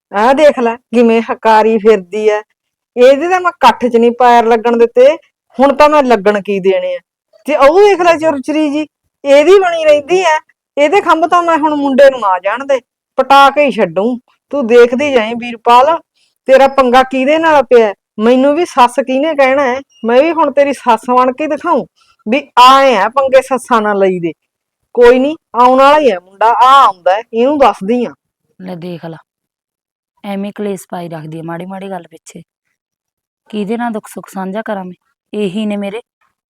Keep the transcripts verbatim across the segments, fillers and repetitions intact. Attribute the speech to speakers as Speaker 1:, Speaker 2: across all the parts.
Speaker 1: ਆਹ ਦੇਖ ਲੈ ਕਿਵੇਂ ਹਕਾਰੀ ਫਿਰਦੀ ਐ। ਇਹਦੇ ਤਾਂ ਮੈਂ ਕੱਠ ਚ ਨਹੀਂ ਪੈਰ ਲੱਗਣ ਦਿੱਤੇ, ਹੁਣ ਤਾਂ ਮੈਂ ਲੱਗਣ ਕੀ ਦੇਣੇ ਆ। ਤੇ ਉਹ ਦੇਖ ਲੈ ਚੁਰਚਰੀ ਜੀ, ਇਹਦੀ ਬਣੀ ਰਹਿੰਦੀ ਐ। ਇਹਦੇ ਖੰਭ ਤਾਂ ਮੈਂ ਹੁਣ ਮੁੰਡੇ ਨੂੰ ਆ ਜਾਣ ਦੇ, ਪਟਾ ਕੇ ਹੀ ਛੱਡੂ। ਤੂੰ ਦੇਖਦੀ ਜਾਈਂ ਵੀਰਪਾਲ, ਤੇਰਾ ਪੰਗਾ ਕਿਹਦੇ ਨਾਲ ਪਿਆ। ਮੈਨੂੰ ਵੀ ਸੱਸ ਕਿਹਨੇ ਕਹਿਣਾ ਹੈ, ਮੈਂ ਵੀ ਹੁਣ ਤੇਰੀ ਸੱਸ ਬਣ ਕੇ ਦਿਖਾਊਂ ਵੀ ਆਏ ਆ ਪੰਗੇ ਸੱਸਾਂ ਨਾਲ ਲਈ ਦੇ। ਕੋਈ ਨੀ, ਆਉਣ ਵਾਲਾ ਹੀ ਹੈ ਮੁੰਡਾ, ਆ ਆਉਂਦਾ ਇਹਨੂੰ ਦੱਸਦੀ ਆ।
Speaker 2: ਲੈ ਦੇਖ ਲਾ, ਐਵੇਂ ਕਲੇਸ਼ ਪਾਈ ਰੱਖਦੀ ਆ ਮਾੜੀ ਮਾੜੀ ਗੱਲ ਪਿੱਛੇ। ਕਿਹਦੇ ਨਾਲ ਦੁੱਖ ਸੁੱਖ ਸਾਂਝਾ ਕਰਾਂ ਮੈਂ, ਇਹੀ ਨੇ ਮੇਰੇ।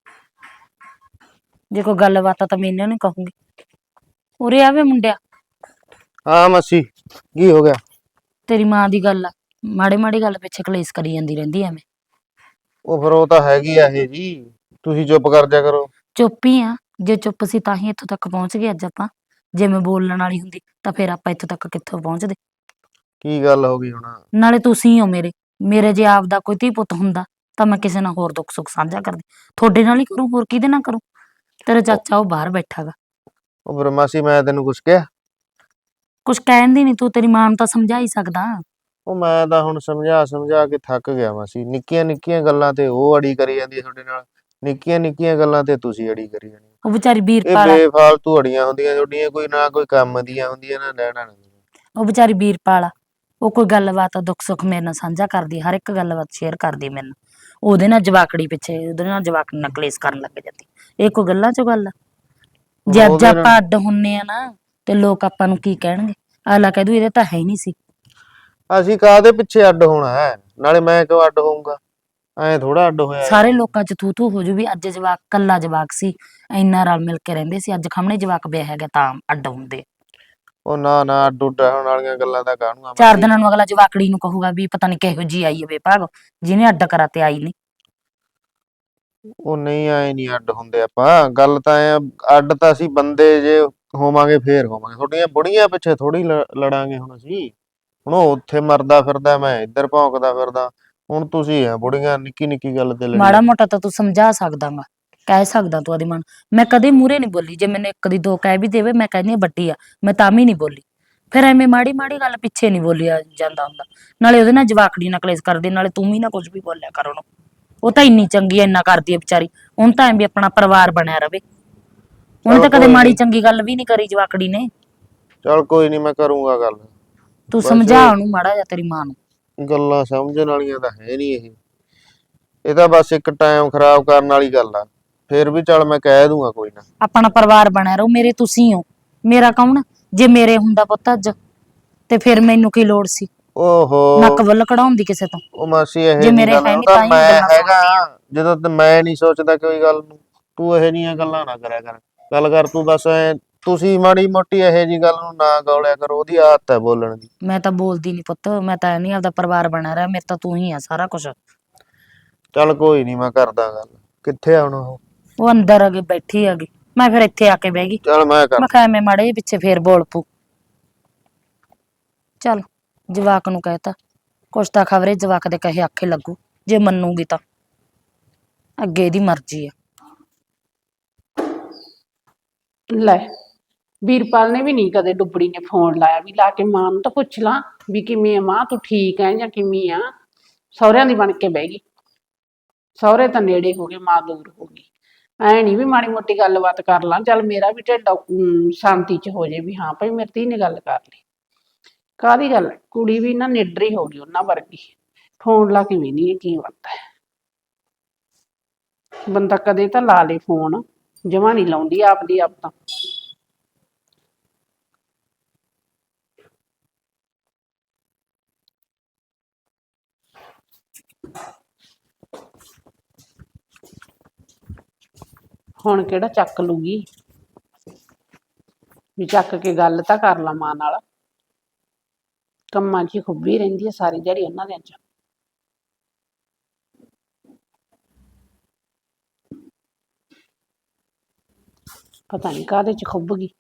Speaker 2: ਜੇ ਕੋਈ ਗੱਲਬਾਤ ਆ ਤਾਂ ਮੈਂ ਇਹਨਾਂ ਨੂੰ ਕਹੂੰਗੀ। ਉਰੇ ਆਵੇ ਮੁੰਡਿਆ।
Speaker 3: ਹਾਂ ਮਾਸੀ, ਕੀ ਹੋ ਗਿਆ?
Speaker 2: ਤੇਰੀ ਮਾਂ ਦੀ ਗੱਲ ਆ, ਮਾੜੀ ਮਾੜੀ ਗੱਲ ਪਿੱਛੇ ਕਲੇਸ਼ ਕਰੀ ਜਾਂਦੀ ਰਹਿੰਦੀ ਐਵੇਂ।
Speaker 3: ਉਹ ਫਿਰ ਉਹ ਤਾਂ ਹੈਗੀ ਆ ਇਹ ਜੀ, ਤੁਸੀਂ ਚੁੱਪ ਕਰ ਜਾ ਕਰੋ।
Speaker 2: ਚੁੱਪ ਹੀ ਆ, ਜੇ ਚੁੱਪ ਸੀ ਤਾਂ ਹੀ ਇੱਥੋਂ ਤੱਕ ਪਹੁੰਚ ਗਏ ਅੱਜ ਆਪਾਂ। ਜੇ ਮੈਂ ਬੋਲਣ ਵਾਲੀ ਹੁੰਦੀ ਤਾਂ ਫਿਰ ਆਪਾਂ ਇੱਥੋਂ ਤੱਕ ਕਿੱਥੋਂ ਪਹੁੰਚਦੇ।
Speaker 3: ਕੀ ਗੱਲ ਹੋ ਗਈ ਹੁਣ?
Speaker 2: ਨਾਲੇ ਤੁਸੀਂ ਹੋ ਮੇਰੇ ਮੇਰੇ ਜੇ ਆਪਦਾ ਕੋਈ ਧੀ ਪੁੱਤ ਹੁੰਦਾ ਤਾਂ ਮੈਂ ਕਿਸੇ ਨਾਲ ਹੋਰ ਦੁੱਖ ਸੁੱਖ ਸਾਂਝਾ ਕਰਦੀ। ਤੁਹਾਡੇ ਨਾਲ ਹੀ ਕਰੂੰ, ਹੋਰ ਕਿਹਦੇ ਨਾਲ ਕਰੂੰ? ਤੇਰਾ ਚਾਚਾ ਉਹ ਬਾਹਰ ਬੈਠਾ ਗਾ।
Speaker 3: ਉਹ ਫਿਰ ਮਾਸੀ ਮੈਂ ਤੈਨੂੰ ਕੁਛ ਕਿਹਾ?
Speaker 2: ਕੁਛ ਕਹਿਣ ਦੀ ਨੀ, ਤੂੰ ਤੇਰੀ ਮਾਂ ਨੂੰ ਤਾਂ ਸਮਝਾ ਹੀ ਸਕਦਾ।
Speaker 3: ਉਹ ਮੈਂ ਤਾਂ ਹੁਣ ਸਮਝਾ ਸਮਝਾ ਕੇ ਥੱਕ ਗਿਆ ਮਾਸੀ। ਨਿੱਕੀਆਂ ਨਿੱਕੀਆਂ ਗੱਲਾਂ ਤੇ ਉਹ ਅੜੀ ਕਰੀ ਜਾਂਦੀ ਤੁਹਾਡੇ ਨਾਲ, ਨਿੱਕੀਆਂ ਨਿੱਕੀਆਂ ਗੱਲਾਂ ਤੇ ਤੁਸੀਂ ਅੜੀ ਕਰੀ ਜਾਂਦੇ।
Speaker 2: ਉਹ ਵਿਚਾਰੀ
Speaker 3: ਇਹ
Speaker 2: ਵੀਰਪਾਲ ਆ,
Speaker 3: ਬੇਫਾਲਤੂ ਅੜੀਆਂ ਹੁੰਦੀਆਂ ਤੁਹਾਡੀਆਂ, ਕੋਈ ਨਾ ਕੋਈ ਕੰਮ ਦੀਆਂ ਹੁੰਦੀਆਂ ਨਾ ਲੈਣਾ ਨਾ।
Speaker 2: ਉਹ ਵਿਚਾਰੀ ਵੀਰਪਾਲ ਆ, ਉਹ ਕੋਈ ਗੱਲਬਾਤ ਦੁੱਖ ਸੁੱਖ ਮੇਰੇ ਨਾਲ ਸਾਂਝਾ ਕਰਦੀ, ਹਰ ਇੱਕ ਗੱਲਬਾਤ ਸ਼ੇਅਰ ਕਰਦੀ ਮੈਨੂੰ। ਉਹਦੇ ਨਾਲ ਜਵਾਕੜੀ ਪਿੱਛੇ, ਉਹਦੇ ਨਾਲ ਜਵਾਕੜੀ ਨਾਲ ਕਲੇਸ਼ ਕਰਨ ਲੱਗ ਜਾਂਦੀ। ਇਹ ਕੋਈ ਗੱਲਾਂ ਚੋਂ ਗੱਲ ਆ? ਜੇ ਅੱਜ
Speaker 3: ਉਹਦੇ ਨਾਲ
Speaker 2: ਆਪਾਂ ਅੱਡ ਹੁੰਨੇ ਆ ਨਾ ਤੇ ਲੋਕ ਆਪਾਂ ਨੂੰ ਕੀ ਕਹਿਣਗੇ? ਅਗਲਾ ਕਹਿ ਦੂ ਇਹਦੇ ਤਾਂ ਹੈ ਹੀ ਨਹੀਂ ਸੀ।
Speaker 3: ਅਸੀਂ ਕਾਹਦੇ ਪਿੱਛੇ ਅੱਡ ਹੋਣਾ ਹੈ? ਨਾਲੇ ਮੈਂ ਕਿਉਂ ਅੱਡ ਹੋਊਂਗਾ? ਐਂ ਥੋੜਾ ਅੱਡ ਹੋਇਆ
Speaker 2: ਸਾਰੇ
Speaker 3: ਜਾਂਦਾ।
Speaker 2: ਲੋਕਾਂ ਚ ਥੂ ਥੂ ਹੋ ਜੂ ਵੀ ਅੱਜ ਜਵਾਕ ਕੱਲਾ ਜਵਾਕ ਸੀ, ਇੰਨਾ ਰਲ ਮਿਲ ਕੇ ਰਹਿੰਦੇ ਸੀ, ਅੱਜ ਖਮਣੇ ਜਵਾਕ ਵਿਆਹ ਹੈਗਾ ਤਾਂ ਅੱਡ ਹੁੰਦੇ।
Speaker 3: ਉਹ ਨਾ ਨਾ, ਅੱਡ ਉੱਡ ਹੋਣ ਵਾਲੀਆਂ ਗੱਲਾਂ ਤਾਂ ਕਾਹਨੂੰ ਆ
Speaker 2: ਚਾਰ
Speaker 3: ਮਾਸੀ।
Speaker 2: ਦਿਨਾਂ ਨੂੰ ਅਗਲਾ ਜਵਾਕੜੀ ਨੂੰ ਕਹੂਗਾ ਵੀ ਪਤਾ ਨੀ ਕਿਹੋ ਜੀ ਆਈ ਹੈ ਭਾਗ, ਜਿਹਨੇ ਅੱਡ ਕਰਾ ਤੇ ਆਈ ਨੀ।
Speaker 3: ਉਹ ਨਹੀਂ, ਆਏ ਨਹੀਂ ਅੱਡ ਹੁੰਦੇ ਆਪਾਂ। ਗੱਲ ਤਾਂ ਐ, ਅੱਡ ਤਾਂ ਅਸੀਂ ਬੰਦੇ ਜੇ ਹੋਵਾਂਗੇ ਫੇਰ ਹੋਵਾਂਗੇ। ਤੁਹਾਡੀਆਂ ਬੁੜੀਆਂ ਪਿੱਛੇ ਥੋੜੀ ਲੜਾਂਗੇ ਹੁਣ ਅਸੀਂ। ਹੁਣ ਉਹ ਉੱਥੇ ਮਰਦਾ ਫਿਰਦਾ, ਮੈਂ ਇੱਧਰ ਭੌਂਕਦਾ ਫਿਰਦਾ। ਹੁਣ ਤੁਸੀਂ ਆ ਬੁੜੀਆਂ ਨਿੱਕੀ ਨਿੱਕੀ ਗੱਲ ਤੇ ਲੜੀ
Speaker 2: ਮਾੜਾ
Speaker 3: ਜਾਂਦੇ।
Speaker 2: ਮੋਟਾ ਤਾਂ ਤੂੰ ਸਮਝਾ ਸਕਦਾ ਗਾ, ਕਹਿ ਸਕਦਾ ਤੂੰ ਆਦੀ ਮਨ। ਮੈਂ ਕਦੇ ਮੂਹਰੇ ਨੀ ਬੋਲੀ, ਜੇ ਮੈਨੂੰ ਇੱਕ ਦੀ ਦੋ ਕਹਿ ਵੀ ਦੇਵੇ ਮੈਂ ਕਹਿੰਦੀ ਵੱਡੀ ਆ, ਮੈਂ ਤਾਂ ਵੀ ਨੀ ਬੋਲੀ। ਫਿਰ ਐਵੇਂ ਮਾੜੀ ਮਾੜੀ ਗੱਲ ਪਿੱਛੇ ਨੀ ਬੋਲਿਆ ਜਾਂਦਾ ਹੁੰਦਾ। ਨਾਲੇ ਉਹਦੇ ਨਾਲ ਜਵਾਕੜੀ ਨਾਲ ਕਲੇਸ਼ ਕਰਦੀ, ਨਾਲੇ ਤੂੰ ਵੀ ਨਾ ਕੁਝ ਵੀ ਬੋਲਿਆ ਕਰ ਉਹਨੂੰ। ਉਹ ਤਾਂ ਇੰਨੀ ਚੰਗੀ ਐ, ਇੰਨਾ ਕਰਦੀ ਐ ਵਿਚਾਰੀ। ਹੁਣ ਤਾਂ ਐਂ ਵੀ ਆਪਣਾ ਪਰਿਵਾਰ ਬਣਿਆ ਰਵੇ। ਉਹਨੇ
Speaker 3: ਚੱਲ
Speaker 2: ਤਾਂ ਕਦੇ
Speaker 3: ਕੋਈ
Speaker 2: ਮਾੜੀ
Speaker 3: ਨੀ,
Speaker 2: ਚੰਗੀ ਗੱਲ ਵੀ ਨੀ ਕਰੀ ਜਵਾਕੜੀ ਨੇ।
Speaker 3: ਚੱਲ ਕੋਈ ਨੀ, ਮੈਂ ਕਰੂੰਗਾ ਗੱਲ।
Speaker 2: ਤੂੰ ਸਮਝਾ
Speaker 3: ਵੈਸੇ
Speaker 2: ਉਹਨੂੰ ਮਾੜਾ ਜਿਹਾ, ਤੇਰੀ ਮਾਂ ਨੂੰ।
Speaker 3: ਗੱਲਾਂ ਸਮਝਣ ਵਾਲੀਆਂ ਤਾਂ ਹੈ ਨੀ ਇਹ। ਇਹ ਤਾਂ ਬਸ ਇੱਕ ਟਾਈਮ ਖਰਾਬ ਕਰਨ ਵਾਲੀ ਗੱਲ ਆ। ਫੇਰ ਵੀ ਚੱਲ ਮੈਂ ਕਹਿ ਦੂੰਗਾ ਕੋਈ ਨਾ।
Speaker 2: ਆਪਣਾ ਪਰਿਵਾਰ ਬਣਿਆ ਰਹੂ। ਮੇਰੇ ਤੁਸੀਂ ਹੋ, ਮੇਰਾ ਕੌਣ? ਜੇ ਮੇਰੇ ਹੁੰਦਾ ਪੁੱਤ ਅੱਜ ਤੇ ਫਿਰ ਮੈਨੂੰ ਕੀ ਲੋੜ ਸੀ
Speaker 3: ਓਹੋ,
Speaker 2: ਨੱਕ ਵੱਲ ਕਢਾਉਣ ਦੀ ਕਿਸੇ ਤੋਂ।
Speaker 3: ਉਹ ਮਾਸੀ
Speaker 2: ਜੇ
Speaker 3: ਇਹੋ ਜੀ
Speaker 2: ਮੇਰੇ
Speaker 3: ਗੱਲ
Speaker 2: ਹੈ
Speaker 3: ਉਹ
Speaker 2: ਨੀ
Speaker 3: ਤਾਂ
Speaker 2: ਤਾਂ ਹੀ ਮੈਂ
Speaker 3: ਮੈਂ
Speaker 2: ਗੱਲਾਂ
Speaker 3: ਹੈਗਾ।
Speaker 2: ਸੁਣਦੀ ਆ।
Speaker 3: ਜਦੋਂ ਤੇ ਮੈਂ ਨਹੀਂ ਸੋਚਦਾ ਕੋਈ ਗੱਲ ਨੂੰ, ਤੂੰ ਇਹੋ ਜਿਹੀਆਂ ਗੱਲਾਂ ਨਾ ਕਰਿਆ ਕਰ। ਗੱਲ ਕਰ ਤੂੰ ਬਸ ਐ, ਤੁਸੀਂ ਮਾੜੀ ਮੋਟੀ ਇਹੋ ਜੀ ਗੱਲ ਨੂੰ ਨਾ ਗੌਲਿਆ ਕਰੋ। ਉਹਦੀ ਆਦਤ ਹੈ ਬੋਲਣ ਦੀ।
Speaker 2: ਮੈਂ ਤਾਂ ਬੋਲਦੀ ਨੀ ਪੁੱਤ, ਮੈਂ ਤਾਂ ਨਹੀਂ, ਆਪਦਾ ਪਰਿਵਾਰ ਬਣਿਆ ਰਿਹਾ ਮੇਰੇ ਤਾਂ ਤੂੰ ਹੀ ਆ ਸਾਰਾ ਕੁਛ।
Speaker 3: ਚੱਲ ਕੋਈ ਨੀ, ਮੈਂ ਕਰਦਾ ਗੱਲ। ਕਿੱਥੇ ਆ ਹੁਣ ਉਹ?
Speaker 2: ਉਹ ਅੰਦਰ ਆ ਗਈ, ਬੈਠੀ ਆ ਗਈ। ਮੈਂ ਫਿਰ ਇੱਥੇ ਆ ਕੇ ਬਹਿ ਗਈ।
Speaker 3: ਚੱਲ ਮੈਂ
Speaker 2: ਮੈਂ
Speaker 3: ਕਰਦਾ।
Speaker 2: ਕਿਹਾ ਐਵੇਂ ਮਾੜੇ ਜਿਹੇ ਪਿੱਛੇ ਫੇਰ ਬੋਲ ਪੂ। ਚੱਲ ਜਵਾਕ ਨੂੰ ਕਹਿਤਾ, ਕੁਛ ਤਾਂ ਖਬਰੇ ਜਵਾਕ ਦੇ ਕਹੇ ਆਖੇ ਲੱਗੂ। ਜੇ ਮੰਨੂਗੀ ਤਾਂ ਅੱਗੇ ਇਹਦੀ ਮਰਜ਼ੀ ਆ।
Speaker 4: ਲੈ, ਵੀਰਪਾਲ ਨੇ ਵੀ ਨਹੀਂ ਕਦੇ ਡੁੱਬੜੀ ਨੇ ਫੋਨ ਲਾਇਆ ਵੀ ਲਾ ਕੇ ਮਾਂ ਨੂੰ ਤਾਂ ਪੁੱਛ ਲਾਂ ਵੀ ਕਿਵੇਂ ਆ ਮਾਂ, ਤੂੰ ਠੀਕ ਹੈ ਜਾਂ ਕਿਵੇਂ ਆ। ਸਹੁਰਿਆਂ ਦੀ ਬਣ ਕੇ ਬਹਿ ਗਈ। ਸਹੁਰੇ ਤਾਂ ਨੇੜੇ ਹੋ ਗਏ, ਮਾਂ ਦੂਰ ਹੋ ਗਈ। ਐ ਨੀ ਵੀ ਮਾੜੀ ਮੋਟੀ ਗੱਲਬਾਤ ਕਰ ਲਾਂ, ਚੱਲ ਮੇਰਾ ਵੀ ਢਿੱਡ ਸ਼ਾਂਤੀ ਚ ਹੋ ਜੇ ਵੀ ਹਾਂ ਭਾਈ ਮੇਰੀ ਧੀ ਨੇ ਗੱਲ ਕਰ ਲਈ। ਕਾਹਦੀ ਗੱਲ, ਕੁੜੀ ਵੀ ਨਾ ਨਿਡਰੀ ਹੋ ਗਈ ਉਹਨਾਂ ਵਰਗੀ। ਫੋਨ ਲਾ ਕੇ ਵੀ ਨਹੀਂ ਕੀ ਬਣਦਾ। ਬੰਦਾ ਕਦੇ ਤਾਂ ਲਾ ਲੇ ਫੋਨ, ਜਮਾਂ ਨਹੀਂ ਲਾਉਂਦੀ ਆਪਦੀ ਆਪ ਤਾਂ। ਹੁਣ ਕਿਹੜਾ ਚੱਕ ਲੂਗੀ, ਵੀ ਚੱਕ ਕੇ ਗੱਲ ਤਾਂ ਕਰ ਲਾ ਮਾਂ ਨਾਲ। ਕੰਮਾਂ 'ਚ ਹੀ ਖੁੱਬੀ ਰਹਿੰਦੀ ਹੈ ਸਾਰੀ ਦਿਹਾੜੀ ਉਹਨਾਂ ਦੇ 'ਚ। ਪਤਾ ਨਹੀਂ ਕਾਹਦੇ 'ਚ ਖੁੱਬ ਗਈ।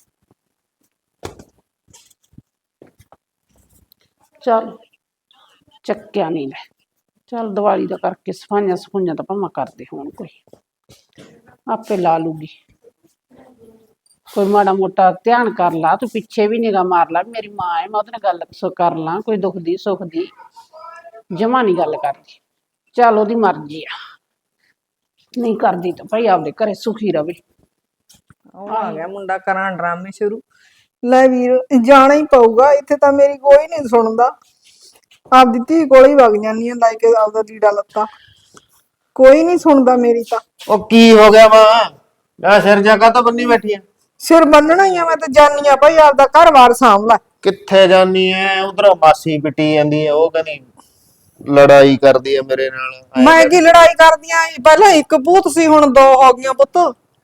Speaker 4: ਚੱਲ ਚੱਕਿਆ ਨਹੀਂ ਲੈ। ਚੱਲ ਦੀਵਾਲੀ ਦਾ ਕਰਕੇ ਸਫਾਈਆਂ ਸਫੂਈਆਂ ਤਾਂ ਭਾਵੇਂ ਕਰਦੇ ਹੋਣ ਕੋਈ, ਆਪੇ ਲਾ ਲੂਗੀ। ਕੋਈ ਮਾੜਾ ਮੋਟਾ ਧਿਆਨ ਕਰ ਲਾ, ਤੂੰ ਪਿੱਛੇ ਵੀ ਨਿਗਾਹ ਮਾਰ ਲਾ, ਮੇਰੀ ਮਾਂ ਹੈ, ਮੈਂ ਉਹਦੇ ਨਾਲ ਗੱਲ ਸੋ ਕਰ ਲਾਂ, ਕੋਈ ਦੁੱਖ ਦੀ ਸੁੱਖ ਦੀ। ਜਮਾ ਨਹੀਂ ਗੱਲ ਕਰਦੀ, ਚੱਲ ਉਹਦੀ ਮਰਜ਼ੀ ਆ, ਨਹੀਂ ਕਰਦੀ ਤਾਂ ਭਾਈ ਆਪਦੇ ਘਰੇ ਸੁਖੀ ਰਵੇ।
Speaker 1: ਉਹ ਆ ਗਿਆ ਮੁੰਡਾ, ਕਰਾਂ ਡਰਾਮੇ ਸ਼ੁਰੂ। ਲੈ ਵੀਰ, ਜਾਣਾ ਹੀ ਪਊਗਾ, ਇੱਥੇ ਤਾਂ ਮੇਰੀ ਕੋਈ ਨਹੀਂ ਸੁਣਦਾ। ਆਪਦੀ ਧੀ ਕੋਲ ਹੀ ਵਗ ਜਾਂਦੀ ਆ, ਲੈ ਕੇ ਆਪਦਾ ਲੀੜਾ ਲੱਤਾ, ਕੋਈ ਨਹੀਂ ਸੁਣਦਾ ਮੇਰੀ ਤਾਂ।
Speaker 3: ਉਹ ਕੀ ਹੋ ਗਿਆ ਮਾਂ, ਆ ਸਿਰ ਜਗਾ ਤਾਂ ਬੰਨੀ ਬੈਠੀ ਆ।
Speaker 1: ਸਿਰ ਬੰਨਣਾ ਹੀ ਆ, ਮੈਂ ਤਾਂ ਜਾਨੀ ਆ ਭਾਈ, ਆਪਦਾ ਘਰ-ਬਾਰ ਸਾਂਭ ਲੈ।
Speaker 3: ਕਿੱਥੇ ਜਾਨੀ ਐ? ਉਧਰ ਮਾਸੀ ਪਿੱਟੀ ਜਾਂਦੀ ਐ, ਉਹ ਕਹਿੰਦੀ ਲੜਾਈ ਕਰਦੀ ਐ ਮੇਰੇ ਨਾਲ।
Speaker 1: ਮੈਂ ਕੀ ਲੜਾਈ ਕਰਦੀਆਂ, ਪਹਿਲਾਂ ਇੱਕ ਭੂਤ ਸੀ, ਹੁਣ ਦੋ ਹੋ ਗਈਆਂ ਪੁੱਤ।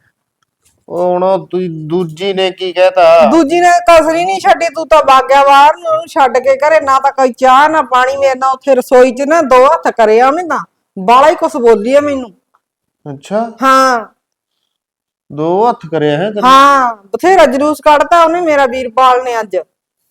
Speaker 3: ਉਹ ਹੁਣ ਉਹ ਦੂ- ਦੂਜੀ ਨੇ ਕੀ ਕਹਿਤਾ?
Speaker 1: ਦੂਜੀ ਨੇ ਕਸਰੀ ਨਹੀਂ ਛੱਡੀ, ਤੂੰ ਤਾਂ ਬਾਗਿਆ ਬਾਹਰ ਨੂੰ, ਉਹਨੂੰ ਛੱਡ ਕੇ ਘਰੇ ਨਾ ਤਾਂ ਕੋਈ ਚਾਹ ਨਾ ਪਾਣੀ। ਮੇਰੇ ਨਾਲ ਉੱਥੇ ਰਸੋਈ 'ਚ ਨਾ ਦੋ ਹੱਥ ਕਰਿਆ ਉਹਨੇ, ਤਾਂ ਬਾਲਾ ਹੀ ਕੁਛ ਬੋਲੀ ਆ ਮੈਨੂੰ।
Speaker 3: ਅੱਛਾ,
Speaker 1: ਹਾਂ
Speaker 3: ਦੋ ਹੱਥ ਕਰਿਆ ਹੈ ਤੈਨੂੰ?
Speaker 1: ਹਾਂ, ਬਥੇਰਾ ਜਲੂਸ ਕੱਢਤਾ ਉਹਨੇ ਮੇਰਾ ਵੀਰਪਾਲ ਨੇ ਅੱਜ।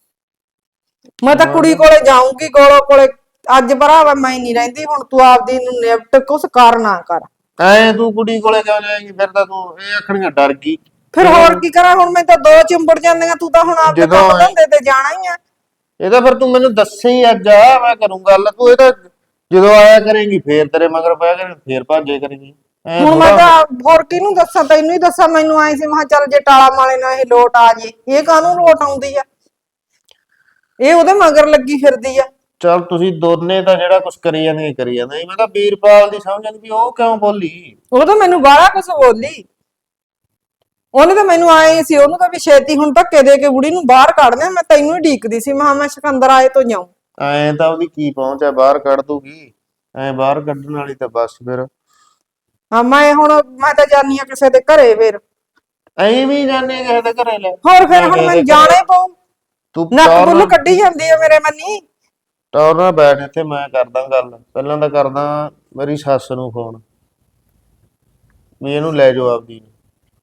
Speaker 1: ਮੈਂ ਤਾਂ ਕੁੜੀ ਕੋਲੇ ਜਾਊਂਗੀ, ਗੋਲੋ ਕੋਲੇ ਅੱਜ। ਭਰਾਵਾ ਮੈਂ ਨਹੀਂ ਰਹਿੰਦੀ ਹੁਣ, ਤੂੰ ਆਪਦੀ ਨੂੰ ਨਿਪਟ, ਕੁਛ ਕਰ ਨਾ ਕਰ।
Speaker 3: ਐ ਤੂੰ ਕੁੜੀ ਕੋਲੇ ਕਿਉਂ ਜਾਏਂਗੀ? ਫਿਰ ਤਾਂ ਤੂੰ ਇਹ ਆਖਣੀਆਂ ਡਰ ਗਈ।
Speaker 1: ਫਿਰ ਹੋਰ ਕੀ ਕਰਾਂ ਹੁਣ, ਮੈਂ ਤਾਂ ਦੋ ਚਿੰਬੜ ਜਾਂਦੀਆਂ, ਤੂੰ ਤਾਂ ਹੁਣ ਆਪਦੇ
Speaker 3: ਜਦੋਂ
Speaker 1: ਕੰਮ ਧੰਦੇ ਤੇ ਜਾਣਾ ਹੀ ਆ।
Speaker 3: ਇਹ ਤਾਂ ਫਿਰ ਤੂੰ ਮੈਨੂੰ ਦੱਸੇ ਹੀ ਅੱਜ ਆ, ਮੈਂ ਕਰੂੰ ਗੱਲ। ਤੂੰ ਇਹ ਤਾਂ ਜਦੋਂ ਆਇਆ ਕਰੇਂਗੀ ਫੇਰ ਤੇਰੇ ਮਗਰ ਪਿਆ ਕਰੇ, ਫੇਰ ਭਾਜੇ ਕਰੇਂਗੀ। ਐਂ
Speaker 1: ਹੁਣ ਮੈਂ
Speaker 3: ਥੋੜ੍ਹਾ-
Speaker 1: ਤਾਂ ਹੋਰ ਕਿਹਨੂੰ ਦੱਸਾਂ, ਤੈਨੂੰ ਹੀ ਦੱਸਾਂ। ਮੈਨੂੰ ਆਏ ਸੀ, ਮੈਂ ਕਿਹਾ ਚੱਲ ਜੇ ਟਾਲਾ ਮਾਲੇ ਨਾਲ ਇਹ ਲੋਟ ਆ ਜੇ। ਇਹ ਕਾਹਨੂੰ ਲੋਟ ਆਉਂਦੀ ਆ, ਇਹ ਉਹਦੇ ਮਗਰ ਲੱਗੀ ਫਿਰਦੀ ਆ।
Speaker 3: ਚੱਲ ਤੁਸੀਂ ਦੋਨੇ ਤਾਂ ਜਿਹੜਾ ਕੁਝ ਕਰੀ ਜਾਂਦੇ ਕਰੀ ਜਾਂਦੇ। ਮੈਂ ਤਾਂ ਵੀਰਪਾਲ ਦੀ ਸਮਝ ਨਹੀਂ ਵੀ ਉਹ ਕਿਉਂ ਬੋਲੀ।
Speaker 1: ਉਹ ਤਾਂ ਮੈਨੂੰ ਬਾਹਲਾ ਕੁਛ ਬੋਲੀ, ਉਹਨੇ ਤਾਂ ਮੈਨੂੰ ਆਏ ਸੀ, ਉਹਨੂੰ ਤਾਂ ਵੀ ਛੇਤੀ ਹੁਣ ਧੱਕੇ ਦੇ ਕੇ ਬੁੜੀ ਨੂੰ ਬਾਹਰ ਕੱਢਦੇ। ਮੈਂ ਤੈਨੂੰ ਹੀ ਢੀਕਦੀ ਸੀ, ਮੈਂ ਕਿਹਾ ਮੈਂ ਸਿਕੰਦਰ ਆਏ ਤੋਂ ਜਾਊਂ।
Speaker 3: ਐਂ ਤਾਂ ਉਹਦੀ ਕੀ ਪਹੁੰਚ ਹੈ, ਬਾਹਰ ਕੱਢ ਦੂਗੀ। ਐਂ ਬਾਹਰ ਕੱਢਣ ਵਾਲੀ ਤਾਂ ਬਸ ਫਿਰ
Speaker 1: ਹਾਂ, ਮੈਂ ਹੁਣ ਮੈਂ ਤਾਂ ਜਾਨੀ ਆ ਕਿਸੇ ਦੇ ਘਰੇ। ਫਿਰ
Speaker 3: ਐਂ ਵੀ ਜਾਣੇ ਕਿਸੇ ਦੇ ਘਰੇ ਲੈ।
Speaker 1: ਹੋਰ ਫਿਰ ਹੁਣ ਮੈਨੂੰ ਜਾਣਾ ਹੀ ਪਊ।
Speaker 3: ਤੂੰ
Speaker 1: ਨੱਕ
Speaker 3: ਟੌਰ
Speaker 1: ਬੁੱਲ
Speaker 3: ਨਾਲ
Speaker 1: ਕੱਢੀ ਜਾਂਦੀ ਆ ਮੇਰੇ ਮੰਨੀ।
Speaker 3: ਟੌਰ ਨਾਲ ਬੈਠ ਇੱਥੇ, ਮੈਂ ਕਰਦਾ ਗੱਲ। ਪਹਿਲਾਂ ਤਾਂ ਕਰਦਾ ਮੇਰੀ ਸੱਸ ਨੂੰ ਫੋਨ, ਵੀ ਇਹਨੂੰ ਲੈ ਜਾਓ ਆਪਦੀ ਨੂੰ।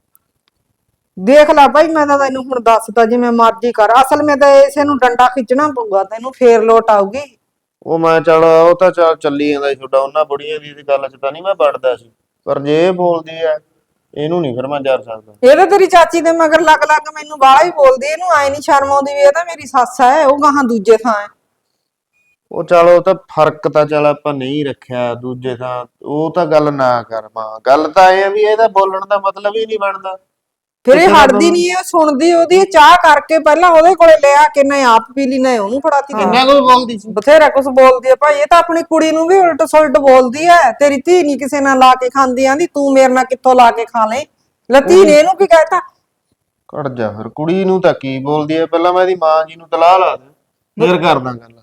Speaker 1: ਦੇਖ ਲੈ ਭਾਈ, ਮੈਂ ਤਾਂ ਤੈਨੂੰ ਹੁਣ ਦੱਸਦਾ, ਜਿਵੇਂ ਮਰਜ਼ੀ ਕਰ। ਅਸਲ ਮੈਂ ਤਾਂ ਇਸੇ ਨੂੰ ਡੰਡਾ ਖਿੱਚਣਾ ਪਊਗਾ ਤੈਨੂੰ, ਫੇਰ ਲੋਟ ਆਊਗੀ।
Speaker 3: ਉਹ ਮੈਂ ਚੱਲ ਉਹ ਤਾਂ ਚੱਲ ਚੱਲੀ ਜਾਂਦਾ ਸੀ ਤੁਹਾਡਾ, ਉਹਨਾਂ ਬੁੜੀਆਂ ਦੀ ਗੱਲ ਚ ਤਾਂ ਨਹੀਂ ਮੈਂ ਵੜਦਾ ਸੀ, ਪਰ ਜੇ ਇਹ ਬੋਲਦੀ ਆ ਇਹਨੂੰ ਨਹੀਂ ਫਿਰ ਮੈਂ ਜਰ ਸਕਦਾ।
Speaker 1: ਇਹ ਤਾਂ ਤੇਰੀ ਚਾਚੀ ਦੇ ਮਗਰ ਲੱਗ ਲੱਗ ਮੈਨੂੰ ਬਾਹਲਾ ਹੀ ਬੋਲਦੀ। ਇਹਨੂੰ ਆਏ ਨਹੀਂ ਸ਼ਰਮ ਆਉਂਦੀ ਵੀ ਇਹ ਤਾਂ ਮੇਰੀ ਸੱਸ ਹੈ, ਉਹ ਗਾਹਾਂ ਦੂਜੇ ਥਾਂ ਹੈ।
Speaker 3: ਉਹ ਚੱਲ ਉਹ ਤਾਂ ਫਰਕ ਤਾਂ ਚੱਲ ਆਪਾਂ ਨਹੀਂ ਰੱਖਿਆ ਦੂਜੇ ਥਾਂ, ਉਹ ਤਾਂ ਗੱਲ ਨਾ ਕਰ ਮਾਂ। ਗੱਲ ਤਾਂ ਇਹ ਆ ਵੀ ਇਹਦਾ ਬੋਲਣ ਦਾ ਮਤਲਬ ਹੀ ਨਹੀਂ ਬਣਦਾ।
Speaker 1: ਫਿਰ ਇਹ ਹਟਦੀ ਨਹੀਂ, ਇਹ ਸੁਣਦੀ ਉਹਦੀ। ਚਾਹ ਕਰਕੇ ਪਹਿਲਾਂ ਉਹਦੇ ਕੋਲੇ ਲਿਆ ਕੇ ਨਾ ਆਪ ਪੀ ਲਈ, ਨਾ ਉਹਨੂੰ ਫੜਾਤੀ।
Speaker 3: ਕਿੰਨਾ ਕੁ ਬੋਲਦੀ ਸੀ?
Speaker 1: ਬਥੇਰਾ ਕੁਛ ਬੋਲਦੀ ਹੈ ਭਾਈ। ਇਹ ਤਾਂ ਆਪਣੀ ਕੁੜੀ ਨੂੰ ਵੀ ਉਲਟ ਸੁਲਟ ਬੋਲਦੀ ਹੈ। ਤੇਰੀ ਧੀ ਨਹੀਂ ਕਿਸੇ ਨਾਲ ਲਾ ਕੇ ਖਾਂਦੀ, ਆਂਦੀ ਤੂੰ ਮੇਰੇ ਨਾਲ ਕਿੱਥੋਂ ਲਾ ਕੇ ਖਾ ਲੈ। ਲੱਤੀ ਨੇ ਇਹਨੂੰ ਕੀ ਕਹਿਤਾ?
Speaker 3: ਕੱਢ ਜਾ ਫਿਰ, ਕੁੜੀ ਨੂੰ ਤਾਂ ਕੀ ਬੋਲਦੀ ਹੈ। ਪਹਿਲਾਂ ਮੈਂ ਇਹਦੀ ਮਾਂ ਜੀ ਨੂੰ ਤਲਾਹ ਲਾ ਦੇ, ਫਿਰ ਕਰਦਾ ਗੱਲ।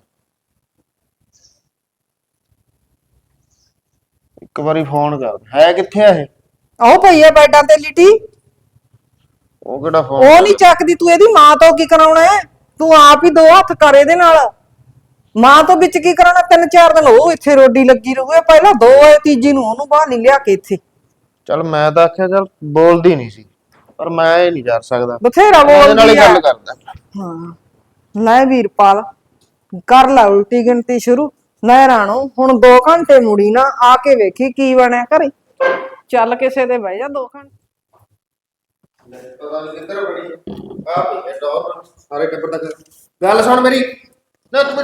Speaker 3: ਇੱਕ ਵਾਰੀ ਫੋਨ ਕਰ। ਹੈ ਕਿੱਥੇ ਆ ਇਹ?
Speaker 1: ਉਹ ਪਈ ਹੈ ਬੈਡਾਂ ਤੇ ਲਿਟੀ,
Speaker 3: ਉਹ ਕਿਹੜਾ ਫੋਨ?
Speaker 1: ਉਹ ਨਹੀਂ ਚੱਕਦੀ। ਤੂੰ ਇਹਦੀ ਮਾਂ ਤੋਂ ਕੀ ਕਰਾਉਣਾ ਹੈ? ਤੂੰ ਆਪ ਹੀ ਦੋ ਹੱਥ ਕਰ ਇਹਦੇ ਨਾਲ। ਮਾਂ ਤੋਂ ਵਿੱਚ ਕੀ ਕਰਾਉਣਾ? ਤਿੰਨ ਚਾਰ ਦਿਨ ਉਹ ਇੱਥੇ ਰੋਡੀ ਲੱਗੀ ਰਹੂਏ, ਪਹਿਲਾਂ ਦੋ ਆਏ, ਤੀਜੀ ਨੂੰ ਉਹਨੂੰ ਬਾਹਰ ਨਹੀਂ ਲਿਆ ਕੇ ਇੱਥੇ।
Speaker 3: ਚੱਲ ਮੈਂ ਤਾਂ ਆਖਿਆ ਚੱਲ ਬੋਲਦੀ ਨਹੀਂ ਸੀ, ਪਰ ਮੈਂ ਇਹ ਨਹੀਂ ਕਰ ਸਕਦਾ।
Speaker 1: ਬਥੇਰਾ
Speaker 3: ਮੈਂ ਇਹਦੇ ਨਾਲ ਹੀ
Speaker 1: ਬੋਲਦੀ
Speaker 3: ਗੱਲ
Speaker 1: ਆ।
Speaker 3: ਕਰਦਾ।
Speaker 1: ਹਾਂ, ਲੈ ਵੀਰਪਾਲ, ਕਰ ਲੈ ਉਲਟੀ ਗਿਣਤੀ ਸ਼ੁਰੂ। ਲੈ ਰਾਣੋ, ਹੁਣ ਦੋ ਘੰਟੇ ਮੁੜੀ ਨਾ, ਆ ਕੇ ਵੇਖੀ ਕੀ ਬਣਿਆ ਘਰੇ। ਚੱਲ ਕਿਸੇ ਦੇ ਬਹਿ ਜਾ ਦੋ ਘੰਟੇ।
Speaker 3: ਪਤਾ ਨਹੀਂ ਕਿੱਧਰ ਬੜੀ ਆ ਪਈ ਹੈ ਡੋਰ, ਸਾਰੇ ਟੱਬਰ ਦਾ। ਗੱਲ ਸੁਣ ਮੇਰੀ, ਨਾ ਤੂੰ ਮੇਰੀ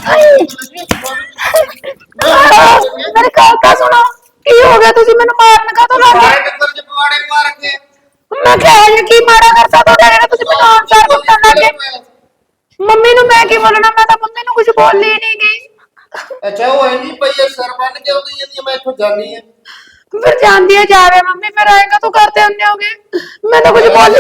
Speaker 2: ਮੇਰੀ ਗੱਲ ਤਾਂ ਸੁਣੋ, ਕੀ ਹੋ ਗਿਆ? ਤੁਸੀਂ ਮੈਨੂੰ ਮਾਰਨ ਕਾਹਤੋਂ ਲੱਗ ਗਏ?
Speaker 3: ਟੱਬਰ ਚ ਪਵਾੜੇ ਪਾ ਰੱਖੇ।
Speaker 2: ਮੈਂ ਕਿਹਾ ਜੀ ਕੀ ਮਾੜਾ ਕਰਤਾ ਤੁਹਾਡਾ ਜਿਹੜਾ ਤੁਸੀਂ ਮੈਨੂੰ ਆਨਸਰ ਕੁੱਟਣ ਲੱਗ ਗਏ? ਮੰਮੀ ਨੂੰ ਮੈਂ ਕੀ ਬੋਲਣਾ? ਮੈਂ ਤਾਂ ਮੰਮੀ ਨੂੰ ਕੁਝ ਬੋਲੀ ਨਹੀਂ ਗਈ।
Speaker 3: ਅੱਛਾ, ਉਹ ਇੰਨੀ ਪਈ ਹੈ ਸਿਰ ਬੰਨ ਕੇ ਆਉਂਦੀ ਜਾਂਦੀ, ਮੈਂ ਇੱਥੋਂ ਜਾਣੀ ਹੈ।
Speaker 2: ਫਿਰ ਜਾਂਦੀ ਹੈ ਜਾਵੇ ਮੰਮੀ, ਫਿਰ ਆਏਗਾ ਤੂੰ ਕਰਦੇ ਹੁੰਨੇ ਹੋਗੇ। ਮੈਂ ਤਾਂ ਕੁਝ ਬੋਲੀ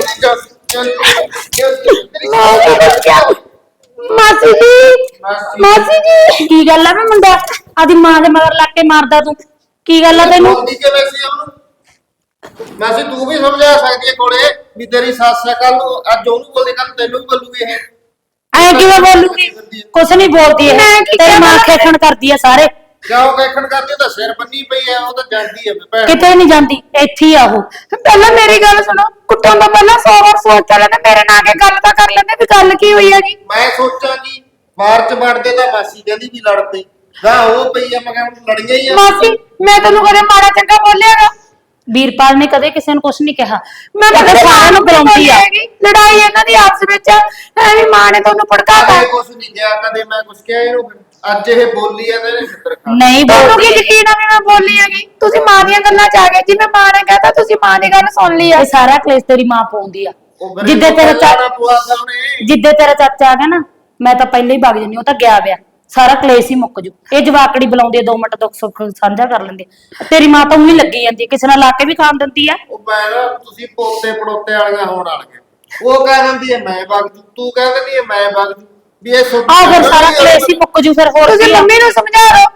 Speaker 2: ਮੈਂ ਕੀ ਦੱਸਿਆ? ਮਾਸੀ ਜੀ, ਮਾਸੀ ਜੀ, ਕੀ ਗੱਲ ਆ? ਮੈਂ ਮੁੰਡਾ ਆਦੀ ਮਾਂ ਦੇ ਮਗਰ ਲੱਗ ਕੇ ਮਾਰਦਾ ਤੂੰ, ਕੀ ਗੱਲ ਆ ਤੈਨੂੰ?
Speaker 3: ਬੋਲਦੀ ਕਿਵੇਂ ਸੀ ਉਹਨੂੰ? ਮਾਸੀ ਤੂੰ ਵੀ ਸਮਝਾ ਸਕਦੀ ਹੈ ਕੋਲੇ ਵੀ ਤੇਰੀ ਸੱਸ ਕੱਲ ਨੂੰ, ਅੱਜ ਉਹਨੂੰ ਬੋਲਦੇ ਕੱਲ ਤੈਨੂੰ ਵੀ ਬੋਲੂਗੀ ਇਹ।
Speaker 2: ਐ ਕਿਵੇਂ ਬੋਲੂਗੀ? ਕੁਛ ਨਹੀਂ ਬੋਲਦੀ ਹੈ, ਤੇਰੀ ਮਾਂ ਖੇਖਣ ਕਰਦੀ ਹੈ ਸਾਰੇ।
Speaker 3: ਕਿਉਂ ਕਹਿਣ ਕਰਦੀ? ਉਹ ਤਾਂ ਸਿਰ ਬੰਨੀ ਪਈ ਹੈ, ਉਹ ਤਾਂ ਜਾਂਦੀ ਹੈ ਭੈਣ।
Speaker 2: ਕਿਤੇ ਨਹੀਂ ਜਾਂਦੀ, ਇੱਥੇ ਹੀ ਆ ਉਹ। ਪਹਿਲਾਂ ਮੇਰੀ ਗੱਲ ਸੁਣੋ, ਕੁੱਟਣ ਤੋਂ ਪਹਿਲਾਂ ਸੌ ਵਾਰ ਸੋਚ ਲੈਂਦੇ, ਮੇਰੇ ਨਾਲ ਆ ਕੇ ਗੱਲ ਤਾਂ ਕਰ ਲੈਂਦੇ ਵੀ ਗੱਲ ਕੀ ਹੋਈ ਹੈਗੀ।
Speaker 3: ਮੈਂ ਸੋਚਾਂ ਕਿ ਬਾਹਰ ਚ ਵੜਦੇ ਤਾਂ ਮਾਸੀ ਕਹਿੰਦੀ ਵੀ ਲੜ ਪਈ, ਗਾਂ ਉਹ ਪਈ ਆ, ਮੈਂ ਕਿਹਾ ਲੜੀਆਂ ਹੀ ਆ।
Speaker 2: ਮਾਸੀ, ਮੈਂ ਤੈਨੂੰ ਕਦੇ ਮਾੜਾ ਚੰਗਾ ਬੋਲਿਆਗਾ? ਵੀਰਪਾਲ ਨੇ ਕਦੇ ਕਿਸੇ ਨੂੰ ਕੁਝ ਨਹੀਂ ਕਿਹਾ।
Speaker 5: ਮੈਂ ਤਾਂ
Speaker 2: ਇਹ
Speaker 5: ਕਦੇ
Speaker 2: ਸਾਰਿਆਂ ਨੂੰ ਬੁਲਾਉਂਦੀ ਆ।
Speaker 5: ਹੈਗੀ ਲੜਾਈ ਇਹਨਾਂ ਦੀ ਆਪਸ ਵਿੱਚ ਐਵੇਂ ਮਾਂ ਨੇ ਤੁਹਾਨੂੰ ਭੜਕਾਤਾ।
Speaker 3: ਕਦੇ ਕੁਛ ਨਹੀਂ ਕਿਹਾ, ਕਦੇ ਮੈਂ ਕੁਛ ਕਿਹਾ ਇਹਨੂੰ। ਅੱਜ ਇਹ ਬੋਲੀ ਆ ਤੇ ਇਹਨੇ ਛਿੱਤਰ ਖਾ ਲਏ।
Speaker 2: ਨਹੀਂ
Speaker 5: ਤੁਹਾਨੂੰ ਕੀ
Speaker 2: ਬੋਲਦੀ
Speaker 5: ਯਕੀਨ ਆ ਵੀ ਮੈਂ ਬੋਲੀ ਹੈਗੀ? ਤੁਸੀਂ ਮਾਂ ਦੀਆਂ ਗੱਲਾਂ ਚ ਆ ਗਏ, ਜਿਵੇਂ ਮਾਂ ਨੇ ਕਹਤਾ ਤੁਸੀਂ ਮਾਂ ਦੀ ਗੱਲ ਸੁਣ ਲਈ ਆ।
Speaker 2: ਇਹ ਸਾਰਾ ਕਲੇਸ਼ ਤੇਰੀ ਮਾਂ ਪਾਉਂਦੀ ਆ।
Speaker 3: ਉਹ ਗਰੀਬ
Speaker 2: ਜਿੱਦੇ ਤੇਰਾ
Speaker 3: ਨੂੰ
Speaker 2: ਚਾਚਾ
Speaker 3: ਪਵਾਤਾ ਉਹਨੇ।
Speaker 2: ਜਿੱਦੇ ਤੇਰਾ ਚਾਚਾ ਆ ਗਿਆ ਨਾ, ਮੈਂ ਤਾਂ ਪਹਿਲਾਂ ਹੀ ਵਗ ਜੰਨੀ। ਉਹ ਤਾਂ ਗਿਆ ਵਿਆ, ਸਾਰਾ ਕਲੇਸ਼ ਹੀ ਮੁੱਕ ਜੂ। ਇਹ ਜਵਾਕੜੀ ਬੁਲਾਉਂਦੀ ਆ, ਦੋ ਮਿੰਟ ਦੁੱਖ ਸੁੱਖ ਸਾਂਝਾ ਕਰ ਲੈਂਦੇ। ਤੇਰੀ ਮਾਂ ਤਾਂ ਉਹੀ ਲੱਗੀ ਜਾਂਦੀ ਆ, ਕਿਸੇ ਨਾਲ ਲਾ ਕੇ ਵੀ ਖਾਣ ਦਿੰਦੀ ਆ।
Speaker 3: ਉਹ ਮੈਂ ਨਾ ਤੁਸੀਂ ਪੋਤੇ ਪੜੋਤੇ ਵਾਲੀਆਂ ਹੋਣ ਵਾਲੀਆਂ। ਉਹ ਕਹਿ ਦਿੰਦੀ ਹੈ ਮੈਂ ਵਗ ਜੂ, ਤੂੰ ਕਹਿ ਦਿੰਦੀ ਹੈ ਮੈਂ ਵਗ ਜੂ, ਵੀ ਇਹ ਸੁਣ
Speaker 2: ਆਹ ਫਿਰ ਸਾਰਾ ਕਲੇਸ਼ ਹੀ ਮੁੱਕ ਜੂ। ਫਿਰ ਹੋਰ
Speaker 5: ਤੁਸੀਂ
Speaker 2: ਕੀ ਆ?
Speaker 5: ਮੰਮੀ ਨੂੰ ਸਮਝਾ ਲਓ,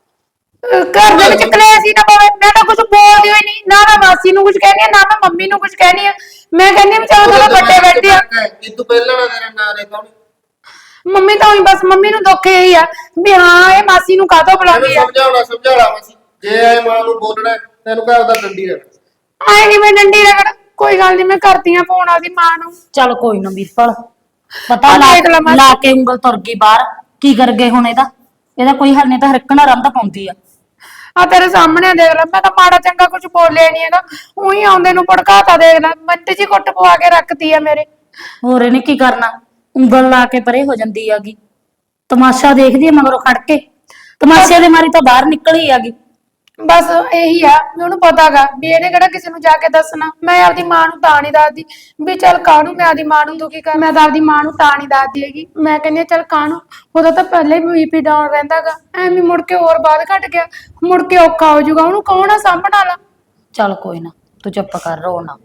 Speaker 5: ਅਹ ਘਰ ਦੇ ਵਿੱਚ ਕਲੇਸ਼ ਹੀ ਨਾ ਪਵੇ। ਮੈਂ ਤਾਂ ਕੁਝ ਬੋਲਦੀ ਹੋਈ ਨਹੀਂ, ਨਾ ਮੈਂ ਮਾਸੀ ਨੂੰ ਕੁਝ ਕਹਿੰਦੀ ਆ, ਨਾ ਮੈਂ ਮੰਮੀ ਨੂੰ ਕੁਝ ਕਹਿੰਦੀ ਆ। ਮੈਂ ਕਹਿੰਦੀ ਆ ਵੀ ਚਲੋ ਥੋੜਾ ਵੱਡੇ ਬੈਠੇ ਆ।
Speaker 3: ਇਹ ਤੂੰ ਪਹਿਲਾਂ ਨਾ ਤੇਰਾ ਨਾਂ ਲੈ ਕੌਣ?
Speaker 5: ਮੰਮੀ ਤਾਂ ਉਹੀ ਬਸ ਮੰਮੀ ਨੂੰ ਦੁੱਖ ਇਹੀ ਆ ਵੀ ਹਾਂ ਇਹ ਮਾਸੀ ਨੂੰ ਕਾਹਤੋਂ ਬੁਲਾਉਂਦੀ ਆ।
Speaker 3: ਸਮਝਾਉਣਾ ਸਮਝਾਉਣਾ ਮਸੀ, ਜੇ ਇਹ ਮਾਂ ਨੂੰ ਬੋਲਣਾ ਤੈਨੂੰ ਘਰ ਦਾ ਡੰਡੀ ਰਹਿਣਾ।
Speaker 5: ਆਏ ਨਹੀਂ ਮੈਂ ਡੰਡੀ ਰਗੜ, ਕੋਈ ਗੱਲ ਨਹੀਂ ਮੈਂ ਕਰਦੀ ਆ ਫੋਨ ਆਦੀ ਮਾਂ ਨੂੰ।
Speaker 2: ਚੱਲ ਕੋਈ ਨਾ ਵੀਰਪਾਲ, ਪਤਾ
Speaker 5: ਆ
Speaker 2: ਲਾ
Speaker 5: ਦੇਖ ਲੈ ਮਾਸੀ।
Speaker 2: ਲਾ ਕੇ ਉਂਗਲ ਤੁਰ ਗਈ ਬਾਹਰ। ਕੀ ਕਰ ਗਏ ਹੁਣ ਇਹਦਾ? ਇਹਦਾ ਕੋਈ ਹੱਲ ਨਹੀਂ, ਤਾਂ ਹਰਕਣਾ ਰੰਦ ਪਾਉਂਦੀ ਆ।
Speaker 5: ਆ ਤੇਰੇ ਸਾਹਮਣੇ ਦੇਖ ਲੈ, ਮੈਂ ਤਾਂ ਮਾੜਾ ਚੰਗਾ ਕੁਝ ਬੋਲਿਆ ਨਹੀਂ ਹੈਗਾ, ਉਹੀ ਆਉਂਦੇ ਨੂੰ ਭੜਕਾਤਾ। ਦੇਖ ਲੈ ਮਿੰਟ ਜੀ ਕੁੱਟ ਪਵਾ ਕੇ ਰੱਖਤੀ ਆ ਮੇਰੇ।
Speaker 2: ਹੋਰ ਇਹਨੇ ਕੀ ਕਰਨਾ? ਉਂਗਲ ਲਾ ਕੇ ਪਰੇ ਹੋ ਜਾਂਦੀ ਆਗੀ। ਤਮਾਸ਼ਾ ਦੇਖਦੀ ਆ ਮਗਰੋਂ ਖੜ ਕੇ। ਤਮਾਸ਼ੇ ਦੇ ਮਾਰੀ ਤਾਂ ਬਾਹਰ ਨਿਕਲੀ ਆਗੀ।
Speaker 5: ਬਸ ਇਹੀ ਆ ਵੀ ਉਹਨੂੰ ਪਤਾਗਾ ਵੀ ਇਹਨੇ ਕਿਹੜਾ ਕਿਸੇ ਨੂੰ ਜਾ ਕੇ ਦੱਸਣਾ। ਮੈਂ ਆਪਦੀ ਮਾਂ ਨੂੰ ਤਾਂ ਨਹੀਂ ਦੱਸਦੀ ਵੀ ਚੱਲ ਕਾਹਨੂੰ ਮੈਂ ਆਪਦੀ ਮਾਂ ਨੂੰ ਦੁਖੀ ਕਰ। ਮੈਂ ਤਾਂ ਆਪਦੀ ਮਾਂ ਨੂੰ ਤਾਂ ਨਹੀਂ ਦੱਸਦੀ ਹੈਗੀ। ਮੈਂ ਕਹਿੰਦੀ ਹਾਂ ਚੱਲ ਕਾਹਨੂੰ, ਉਹਦਾ ਤਾਂ ਪਹਿਲੇ ਹੀ ਬੀਪੀ ਡਾਊਨ ਰਹਿੰਦਾਗਾ, ਐਵੇਂ ਮੁੜ ਕੇ ਹੋਰ ਬਾਅਦ ਘਟ ਗਿਆ, ਮੁੜ ਕੇ ਔਖਾ ਹੋ ਜਾਊਗਾ। ਉਹਨੂੰ ਕੌਣ ਆ ਸਾਂਭਣ ਵਾਲਾ?
Speaker 2: ਚੱਲ ਕੋਈ ਨਾ, ਤੂੰ ਚੁੱਪ ਕਰ, ਰੋ ਨਾ।